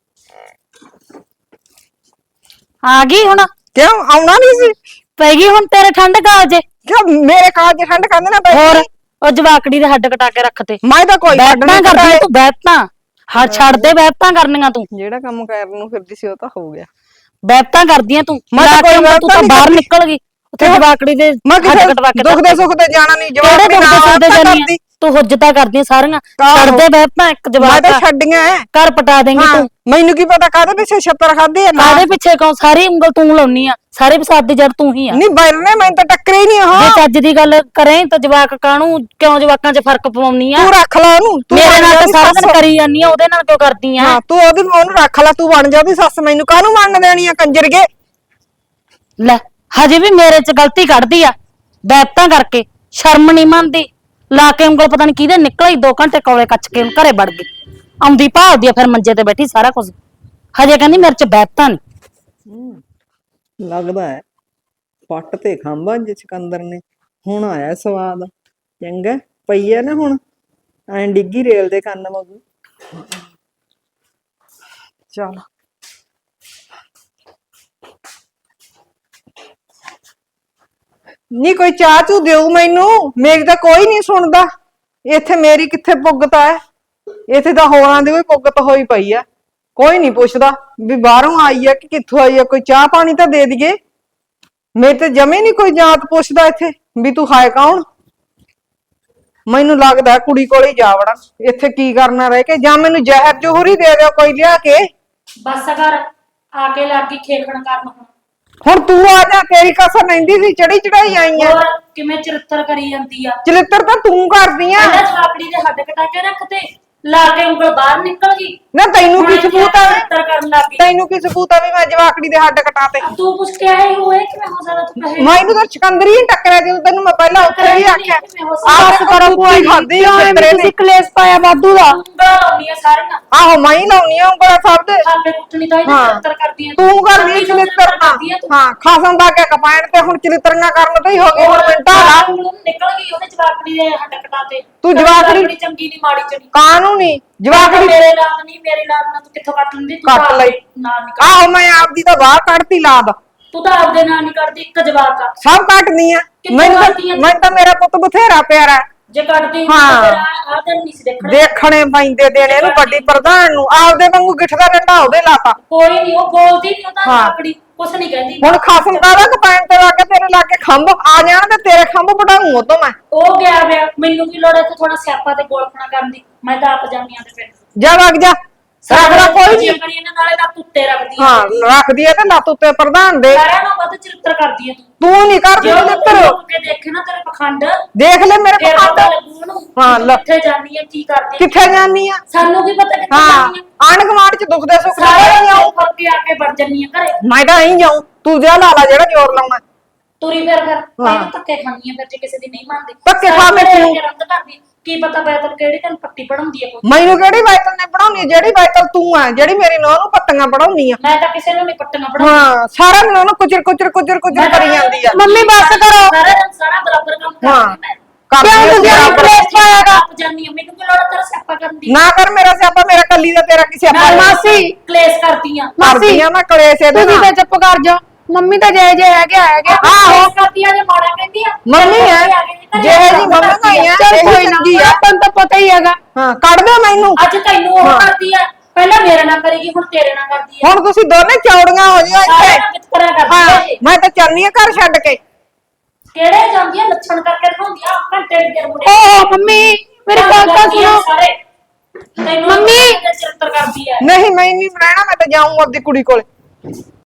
Speaker 2: ਆ ਗਈ ਹੁਣ?
Speaker 1: ਕਿਉਂ ਆਉਣਾ ਨਹੀਂ ਸੀ?
Speaker 2: ਪੈ ਗਈ ਹੁਣ ਤੇਰੇ ਠੰਡ ਕਾਲਜੇ?
Speaker 1: ਕਿਉਂ ਮੇਰੇ ਕਾਲਜ ਠੰਡ ਕਹਿੰਦੇ ਨਾ ਬੈਠੀ?
Speaker 2: ਹੋਰ ਉਹ ਜਵਾਕੜੀ ਦੇ ਹੱਡ ਕਟਾ ਕੇ ਰੱਖਤੇ।
Speaker 1: ਮੈਂ ਤਾਂ ਕੋਈ ਛੱਡ
Speaker 2: ਬੈਠਾਂ
Speaker 1: ਨਹੀਂ
Speaker 2: ਕਰਦੀ ਤੂੰ, ਬੈਠਾਂ ਹਰ ਛੱਡ ਦੇ, ਬੈਠਾਂ ਕਰਨੀਆਂ ਤੂੰ।
Speaker 1: ਜਿਹੜਾ ਕੰਮ ਕਰਨ ਨੂੰ ਫਿਰਦੀ ਸੀ ਉਹ ਤਾਂ ਹੋ ਗਿਆ।
Speaker 2: ਬੈਠਾਂ ਕਰਦੀਆਂ ਤੂੰ,
Speaker 1: ਮੈਂ ਤਾਂ ਕੋਈ
Speaker 2: ਤੂੰ ਤਾਂ ਬਾਹਰ ਨਿਕਲ ਗਈ ਉੱਥੇ ਜਵਾਕੜੀ ਦੇ
Speaker 1: ਮੈਂ
Speaker 2: ਹੱਡ
Speaker 1: ਕਿਸੇ
Speaker 2: ਕਟਵਾ ਕੇ।
Speaker 1: ਦੁੱਖ ਦੇ ਸੁੱਖ ਤੇ ਜਾਣਾ ਨਹੀਂ,
Speaker 2: ਕਿਹੜੇ
Speaker 1: ਜਵਾਬ
Speaker 2: ਦੁੱਖ ਦੇ ਸੁੱਖ ਦੇ
Speaker 1: ਨਾ
Speaker 2: ਜਾਨੀ ਆਂ? ਤੂੰ ਹੁੱਜਤਾਂ ਕਰਦੀਆਂ ਸਾਰੀਆਂ, ਛੱਡ ਦੇ ਬੈਠਾਂ ਇੱਕ
Speaker 1: ਮੈਂ ਤਾਂ
Speaker 2: ਜਵਾਕ
Speaker 1: ਛੱਡੀਆਂ ਐ।
Speaker 2: ਘਰ ਪਟਾ ਦੇਂਗੀ ਤੂੰ।
Speaker 1: ਮੈਨੂੰ ਕੀ ਪਤਾ ਕਾਹਦੇ ਪਿੱਛੇ ਛੱਤਰ ਖਾਦੇ ਆ।
Speaker 2: ਕਾਹਦੇ ਪਿੱਛੇ ਕੌਣ? ਸਾਰੀ ਉਂਗਲ ਤੂੰ ਲਾਉਣੀ ਆ, ਸਾਰੇ ਫਸਾਦ ਦੀ ਜੜ ਤੂੰ ਹੀ ਆ।
Speaker 1: ਨਹੀਂ ਬੈਰਨੇ ਮੈਨੂੰ ਤਾਂ ਟੱਕਰੇ ਹੀ ਨਹੀਂ ਉਹ।
Speaker 2: ਜੇ ਚੱਜ ਦੀ ਗੱਲ ਕਰੇ ਤਾਂ ਜਵਾਕ ਕਾਹਨੂੰ, ਕਿਉਂ ਜਵਾਕਾਂ 'ਚ ਫਰਕ ਪਵਾਉਣੀ ਆ?
Speaker 1: ਤੂੰ ਰੱਖ ਲੈ ਉਹਨੂੰ, ਤੂੰ
Speaker 2: ਮੇਰੇ ਨਾਲ ਤਾਂ ਸਾਰਾ ਦਿਨ ਕਰੀ ਜਾਨੀ ਆ, ਉਹਦੇ ਨਾਲ ਕਿਉਂ ਕਰਦੀ ਆ?
Speaker 1: ਹਾਂ ਤੂੰ ਉਹਦੀ ਉਹਨੂੰ ਰੱਖ ਲੈ, ਤੂੰ ਬਣ ਜਾ ਉਹਦੀ ਸੱਸ, ਮੈਨੂੰ ਕਾਹਨੂੰ ਮੰਨ ਦੇਣੀ ਆ ਕੰਜਰਗੇ।
Speaker 2: ਲੈ ਹਜੇ ਵੀ ਮੇਰੇ 'ਚ ਗਲਤੀ ਕੱਢਦੀ ਆ, ਬੈਤਾਂ ਕਰਕੇ ਸ਼ਰਮ ਨਹੀਂ ਮੰਨਦੀ। ਲਾ ਕੇ ਉਂਗਲ ਪਤਾ ਨਹੀਂ ਕਿਹਦੇ ਨਿਕਲੀ, ਦੋ ਘੰਟੇ ਕੋਲੇ ਕੱਚ ਕੇ ਘਰੇ ਵੜ ਗਈ, ਆਉਂਦੀ ਭਾਲਦੀ ਆ ਫਿਰ ਮੰਜੇ ਤੇ ਬੈਠੀ ਸਾਰਾ ਕੁਝ। ਹਜੇ ਕਹਿੰਦੀ ਮੇਰੇ 'ਚ ਬੈਤਾਂ ਨਹੀਂ।
Speaker 1: ਲੱਗਦਾ ਹੈ ਪੱਟ ਤੇ ਖਾਂਬਾ ਜੇ ਸਿਕੰਦਰ ਨੇ, ਹੁਣ ਆਇਆ ਸਵਾਦ। ਚੰਗਾ ਪਈ ਐ ਨਾ ਹੁਣ, ਐਂ ਡਿੱਗੀ ਰੇਲ ਦੇ ਕੰਨ ਵਾਂਗੂ। ਚੱਲ ਨੀ ਕੋਈ ਚਾਹ ਚੂ ਦਿਓ ਮੈਨੂੰ, ਮੇਰੀ ਤਾਂ ਕੋਈ ਨਹੀਂ ਸੁਣਦਾ ਇੱਥੇ। ਮੇਰੀ ਕਿੱਥੇ ਪੁੱਗਤ ਹੈ ਇੱਥੇ, ਤਾਂ ਹੋਰਾਂ ਦੀ ਵੀ ਪੁੱਗਤ ਹੋਈ ਪਈ ਆ। ਕੋਈ ਨਹੀਂ ਪੁੱਛਦਾ ਵੀ ਬਾਹਰੋਂ ਆਈ ਆ ਕਿ ਕਿੱਥੋਂ ਆਈ ਆ, ਕੋਈ ਚਾਹ ਪਾਣੀ ਤਾਂ ਦੇ ਦਈਏ। ਮੇਰੇ ਤੇ ਜਮੇ ਨਹੀਂ ਕੋਈ ਜਾਤ ਪੁੱਛਦਾ ਇੱਥੇ ਵੀ ਤੂੰ ਹਾਏ ਕੌਣ। ਮੈਨੂੰ ਲੱਗਦਾ ਕੁੜੀ ਕੋਲ ਹੀ ਜਾ ਵੜਾਂ, ਇੱਥੇ ਕੀ ਕਰਨਾ ਰਹਿ ਕੇ, ਜਾਂ ਮੈਨੂੰ ਜ਼ਹਿਰ ਜੋਹਰ ਹੀ ਦੇ ਦਿਓ ਕੋਈ ਲਿਆ ਕੇ।
Speaker 2: ਬਸ ਕਰ, ਆ ਕੇ ਲੱਗੀ ਖੇਖਣ ਕਰਨ ਹੁਣ।
Speaker 1: ਹੁਣ ਤੂੰ ਆ ਜਾ, ਤੇਰੀ ਕਸਰ ਲੈਂਦੀ ਸੀ, ਚੜੀ ਚੜਾਈ ਆਈ ਆ।
Speaker 2: ਹੋਰ ਕਿਵੇਂ ਚਰਿੱਤਰ ਕਰੀ ਜਾਂਦੀ ਆ।
Speaker 1: ਚਲਿੱਤਰ ਤਾਂ ਤੂੰ ਕਰਦੀ ਆ।
Speaker 2: ਪਹਿਲਾਂ ਜਵਾਕੜੀ ਦੇ ਹੱਡ ਕਟਾ ਕੇ ਰੱਖਤੇ, ਲਾ ਕੇ ਉਂਗਲ ਬਾਹਰ ਨਿਕਲ ਗਈ।
Speaker 1: ਨਾ ਤੈਨੂੰ ਕੀ
Speaker 2: ਹੁਣ
Speaker 1: ਸਬੂਤ ਆ?
Speaker 2: ਚਰਿੱਤਰ ਕਰਨ ਲੱਗ ਗਈ।
Speaker 1: ਤੈਨੂੰ ਕੀ ਸਬੂਤ ਆ ਵੀ ਮੈਂ ਜਵਾਕੜੀ ਦੇ ਹੱਡ ਕਟਾਤੇ?
Speaker 2: ਤੂੰ ਪੁੱਛ ਕੇ ਆਏ ਹੋਏ ਕਿਵੇਂ ਹੋ ਸਕਦਾ ਤੂੰ ਕਹੇ
Speaker 1: ਮੈਨੂੰ ਤਾਂ ਚਕੰਦਰੀ ਹੀ ਟੱਕਰਿਆ ਜਦੋਂ ਤੈਨੂੰ ਮੈਂ ਪਹਿਲਾਂ ਉੱਥੇ ਵੀ ਆਖਿਆ ਆਹ ਕਰੋ ਕੋਈ ਖਾਦੀ
Speaker 5: ਤੁਸੀਂ ਕਲੇਸ਼ ਪਾਇਆ ਵਾਧੂ ਦਾ।
Speaker 2: ਉਂਗਲਾਂ ਲਾਉਣੀਆਂ ਸਾਰੀਆਂ।
Speaker 1: ਆਹੋ ਮੈਂ ਹੀ ਲਾਉਣੀ ਆ ਉਂਗਲਾਂ ਸਭ ਦੇ।
Speaker 2: ਖਾਪੇ ਕੁੱਟਣੀ ਤਾਂ ਇਹ
Speaker 1: ਹਾਂ।
Speaker 2: ਚਰਿੱਤਰ ਕਰਦੀ ਆ
Speaker 1: ਤੂੰ ਕਰਦੀ
Speaker 2: ਆਪਣੀ
Speaker 1: ਚਲਿੱਤਰ
Speaker 2: ਕਰਦੀ ਆ ਤੂੰ।
Speaker 1: ਹਾਂ ਖਾਸਮ ਦਾ ਕੇ ਕਪਾਇਣ ਤੇ ਹੁਣ ਚਲਿੱਤਰੀਆਂ ਕਰਨ ਤੇ ਹੀ ਹੋ ਗਈ ਹੁਣ ਮਿੰਟਾਂ ਦਾ।
Speaker 2: ਉਂਗਲ ਨਿਕਲ ਗਈ ਉਹਦੇ ਜਵਾਕੜੀ ਦੇ ਹੱਡ ਕਟਾਤੇ।
Speaker 1: ਤੂੰ ਜਵਾਕੜੀ-
Speaker 2: ਬੜੀ ਚੰਗੀ ਨਹੀਂ ਮਾੜੀ ਚੜੀ।
Speaker 1: ਕਾਨੂੰਨੀ ਜਵਾਕੜੀ
Speaker 2: ਮੇਰੇ ਲਾਦ ਨਹੀਂ ਮੇਰੇ ਲਾਦ ਨਾਲ ਤੂੰ ਕਿੱਥੋਂ ਕੱਟ ਲੈਂਦੀ? ਤੂੰ
Speaker 1: ਕੱਟ
Speaker 2: ਤਾਂ
Speaker 1: ਲਈ।
Speaker 2: ਆਪਦੇ ਨਾਲ ਨਹੀਂ ਕੱਢਦੀ।
Speaker 1: ਆਹੋ ਮੈਂ ਆਪਦੀ ਤਾਂ ਬਾਹਰ ਕੱਢਤੀ ਲਾਦ,
Speaker 2: ਤੂੰ ਤਾਂ ਆਪਦੇ ਨਾਲ ਨਹੀਂ ਕੱਢਦੀ, ਇੱਕ ਜਵਾਕ ਆ।
Speaker 1: ਸਭ ਕੱਟਦੀ ਆ।
Speaker 2: ਕਿੱਥੋਂ
Speaker 1: ਮੈਨੂੰ ਤਾਂ
Speaker 2: ਕੱਟਦੀ ਆ?
Speaker 1: ਮੈਨੂੰ ਤਾਂ ਮੇਰਾ ਪੁੱਤ ਬਥੇਰਾ ਪਿਆਰਾ ਹੈ।
Speaker 2: ਜੇ ਕੱਢਦੀ
Speaker 1: ਹਾਂ।
Speaker 2: ਤਾਂ ਤੇਰਾ ਆਹ ਦਿਨ ਨਹੀਂ ਸੀ ਦੇਖਣਾ।
Speaker 1: ਦੇਖਣੇ ਪੈਂਦੇ ਦੇਣੇ ਇਹਨੂੰ ਵੱਡੀ ਪ੍ਰਧਾਨ ਨੂੰ, ਆਪਦੇ ਵਾਂਗੂ ਗਿੱਠ ਦਾ ਡੰਡਾ ਉਹਦੇ ਲਾਤਾ।
Speaker 2: ਕੋਈ ਨਹੀਂ ਉਹ ਬੋਲਦੀ ਨਹੀਂ, ਉਹ ਤਾਂ
Speaker 1: ਹਾਂ।
Speaker 2: ਜਵਾਕੜੀ ਕੁਛ ਨਹੀਂ ਕਹਿੰਦੀ।
Speaker 1: ਹੁਣ ਖਾਸਮ ਕਾਹਦਾ ਕਪਾਇਣ ਤੇ ਲਾ ਕੇ ਤੇਰੇ ਲਾ ਕੇ ਖੰਭ ਆ ਜਾਣ ਤੇ ਤੇਰੇ ਖੰਭ ਵਢਾਊਂ ਉਹ ਤੋਂ ਮੈਂ।
Speaker 2: ਉਹ ਗਿਆ ਵੇ, ਮੈਨੂੰ ਕੀ ਲੋੜ ਹੈ ਤੇ ਥੋੜਾ ਸਿਆਪਾ ਤੇ ਗੋਲਖਣਾ ਕਰਨ ਦੀ? ਮੈਂ ਤਾਂ ਆਪ ਜਾਂਦੀ ਆ ਤੇ ਫਿਰ
Speaker 1: ਜਾ ਵਗ ਜਾ, ਰੱਖਦਾ ਕੋਈ ਨਹੀਂ।
Speaker 2: ਕਰੀ ਇਹਨਾਂ ਨਾਲੇ ਤਾਂ ਕੁੱਤੇ ਰੱਖਦੀ ਆ।
Speaker 1: ਹਾਂ ਰੱਖਦੀ ਐ ਤੇ ਲੱਤ ਉੱਤੇ ਪ੍ਰਧਾਨ ਦੇ।
Speaker 2: ਸਾਰਿਆਂ ਨੂੰ ਵੱਧ ਚਰਿੱਤਰ ਕਰਦੀ ਆ ਤੂੰ।
Speaker 1: ਤੂੰ ਨਹੀਂ ਕਰਦੀ
Speaker 2: ਜੇ ਉਹ
Speaker 1: ਚਲਿੱਤਰ।
Speaker 2: ਲੋਕ ਕੇ ਦੇਖੇ ਨਾ ਤੇਰੇ ਪਖੰਡ,
Speaker 1: ਦੇਖ ਲੈ ਮੇਰੇ
Speaker 2: ਫਿਰ ਪਤਾ
Speaker 1: ਪਖੰਡ
Speaker 2: ਲੱਗੂ ਉਹਨੂੰ
Speaker 1: ਹਾਂ,
Speaker 2: ਤੂੰ
Speaker 1: ਲੈ।
Speaker 2: ਕਿੱਥੇ ਜਾਨੀ ਆ, ਕੀ ਕਰਦੀ ਆ।
Speaker 1: ਕਿੱਥੇ ਜਾਨੀ ਆ?
Speaker 2: ਸਾਨੂੰ ਕੀ ਪਤਾ ਕਿੱਥੇ
Speaker 1: ਹਾਂ
Speaker 2: ਜਾਨੀ ਆ।
Speaker 1: ਆਂਢ ਗੁਆਂਢ ਚ ਦੁੱਖ ਦੇ ਸੁੱਖ ਨਾਲ
Speaker 2: ਸਾਰੇ
Speaker 1: ਨਹੀਂ ਆਉਂ।
Speaker 2: ਫੜ ਕੇ ਆ ਕੇ ਵੜ ਜੰਨੀ ਆ ਘਰੇ।
Speaker 1: ਮੈਂ ਤਾਂ ਨਹੀਂ ਜਾਉਂ, ਤੂੰ ਜਿਆ ਲਾ ਲਾ ਜਿਹੜਾ ਜ਼ੋਰ ਲਾਉਣਾ।
Speaker 2: ਤੁਰੀ ਫਿਰ ਫਿਰ
Speaker 1: ਹਾਂ।
Speaker 2: ਮੈਂ ਧੱਕੇ ਖਾਣੀ ਆ ਫਿਰ ਜੇ ਕਿਸੇ ਦੀ ਨਹੀਂ ਮੰਨਦੀ।
Speaker 1: ਧੱਕੇ ਖਾ
Speaker 2: ਸਾਰੇ
Speaker 1: ਕੇ
Speaker 2: ਘਰੇ
Speaker 1: ਤੂੰ-
Speaker 2: ਆ ਕੇ ਰੰਗ ਕਰਦੀ। ਕੀ ਪਤਾ ਬੈਤਲ ਕਿਹੜੀ ਤੈਨੂੰ ਪੱਟੀ ਪੜਾਉਂਦੀ ਆ ਕੋਈ।
Speaker 1: ਮੈਨੂੰ ਕਿਹੜੀ ਬਾਈਤਲ ਨੇ ਪੜਾਉਣੀ, ਜਿਹੜੀ ਬਾਈਤਲ ਤੂੰ ਆ ਜਿਹੜੀ ਮੇਰੀ ਨੂੰਹ ਨੂੰ ਪੱਤੀਆਂ ਪੜਾਉਣੀ ਆ।
Speaker 2: ਮੈਂ ਤਾਂ ਕਿਸੇ ਨੂੰ ਨਹੀਂ ਪੱਟੀਆਂ ਪੜਾਉਂਦੀ।
Speaker 1: ਹਾਂ ਸਾਰਾ ਦਿਨ ਉਹਨੂੰ ਕੁਚਰ ਕੁਚਰ ਕੁਚਰ ਕੁਚਰ ਕਰੀ ਜਾਂਦੀ ਆ।
Speaker 5: ਮੰਮੀ ਬਸ ਕਰੋ।
Speaker 2: ਸਾਰਾ ਦਿਨ ਸਾਰਾ ਬਰਾਬਰ ਕੰਮ
Speaker 1: ਹਾਂ।
Speaker 2: ਕਰਦੀ ਮੈਂ।
Speaker 1: ਕਰਦੀ ਆ
Speaker 5: ਕਿਉਂ ਤੁਸੀਂ
Speaker 1: ਬਰਾਬਰ।
Speaker 5: ਕਲੇਸ਼ ਪਾਇਆਗਾ?
Speaker 2: ਆਪ ਜਾਨੀ ਆ, ਮੈਨੂੰ ਕੀ ਲੋੜ ਆ ਤੇਰਾ ਸਿਆਪਾ ਕਰਨ ਦੀ?
Speaker 1: ਨਾ ਕਰ ਮੇਰਾ ਸਿਆਪਾ, ਮੇਰਾ ਕੱਲੀ ਦਾ ਤੇਰਾ ਕਿਸੇ
Speaker 2: ਮੈਂ
Speaker 1: ਆਪਾਂ
Speaker 5: ਮਾਸੀ।
Speaker 2: ਕਲੇਸ਼ ਕਰਦੀ ਆ।
Speaker 1: ਕਰਦੀ ਆ ਮੈਂ ਕਲੇਸ਼ ਇਹਦੇ
Speaker 5: ਤੁਸੀਂ
Speaker 1: ਨਾਲ।
Speaker 5: ਤਾਂ ਚੁੱਪ ਕਰ ਜਾਓ। ਮੰਮੀ ਤਾਂ ਜੇ ਜੇ ਹੈਗੇ ਹੈਗੇ।
Speaker 2: ਆਹੋ ਕਰਦੀ ਆ ਜੇ ਮਾੜਾ ਕਹਿੰਦੀ ਆ।
Speaker 1: ਮੰਮੀ ਹੈ ਜਿਹੇ ਜੀ ਮੰਮੀ ਨਹੀਂ ਆ
Speaker 5: ਚਲ ਕੋਈ ਨਾ,
Speaker 1: ਚੰਗੀ ਆ।
Speaker 5: ਆਪਾਂ ਨੂੰ ਤਾਂ ਪਤਾ ਹੀ ਹੈਗਾ।
Speaker 1: ਹਾਂ ਕੱਢ ਦਿਓ ਮੈਨੂੰ।
Speaker 2: ਅੱਜ ਤੈਨੂੰ ਉਹ ਕਰਦੀ ਆ, ਪਹਿਲਾਂ ਮੇਰੇ ਨਾਲ ਕਰੇਗੀ ਹੁਣ ਤੇਰੇ ਨਾਲ ਕਰਦੀ ਆ।
Speaker 1: ਹੁਣ ਤੁਸੀਂ ਦੋਨੇ ਚੌੜੀਆਂ ਹੋ ਜਿਓ
Speaker 2: ਸਾਰੇ
Speaker 1: ਇੱਥੇ।
Speaker 2: ਨਾਲ ਵਿਤਕਰਾ ਕਰਦੀ
Speaker 1: ਹਾਂ
Speaker 2: ਆ ਇਹ।
Speaker 1: ਮੈਂ ਤਾਂ ਚੱਲਨੀ ਆ ਘਰ ਛੱਡ ਕੇ।
Speaker 2: ਕਿਹੜੇ ਜਾਂਦੀ ਆ ਲੱਛਣ ਕਰਕੇ ਦਿਖਾਉਂਦੀ ਆ ਘੰਟੇ ਦੇ ਮੁੰਡੇ।
Speaker 5: ਓਹ ਮੰਮੀ ਮੇਰੀ ਗੱਲ ਤਾਂ ਸੁਣੋ।
Speaker 2: ਸਾਰੇ ਤੈਨੂੰ
Speaker 5: ਮੰਮੀ।
Speaker 2: ਚਿੱਤਰ ਕਰਦੀ ਆ।
Speaker 1: ਨਹੀਂ ਮੈਂ ਨਹੀਂ ਰਹਿਣਾ, ਮੈਂ ਤਾਂ ਜਾਊਂ ਆਪਦੀ ਕੁੜੀ ਕੋਲ।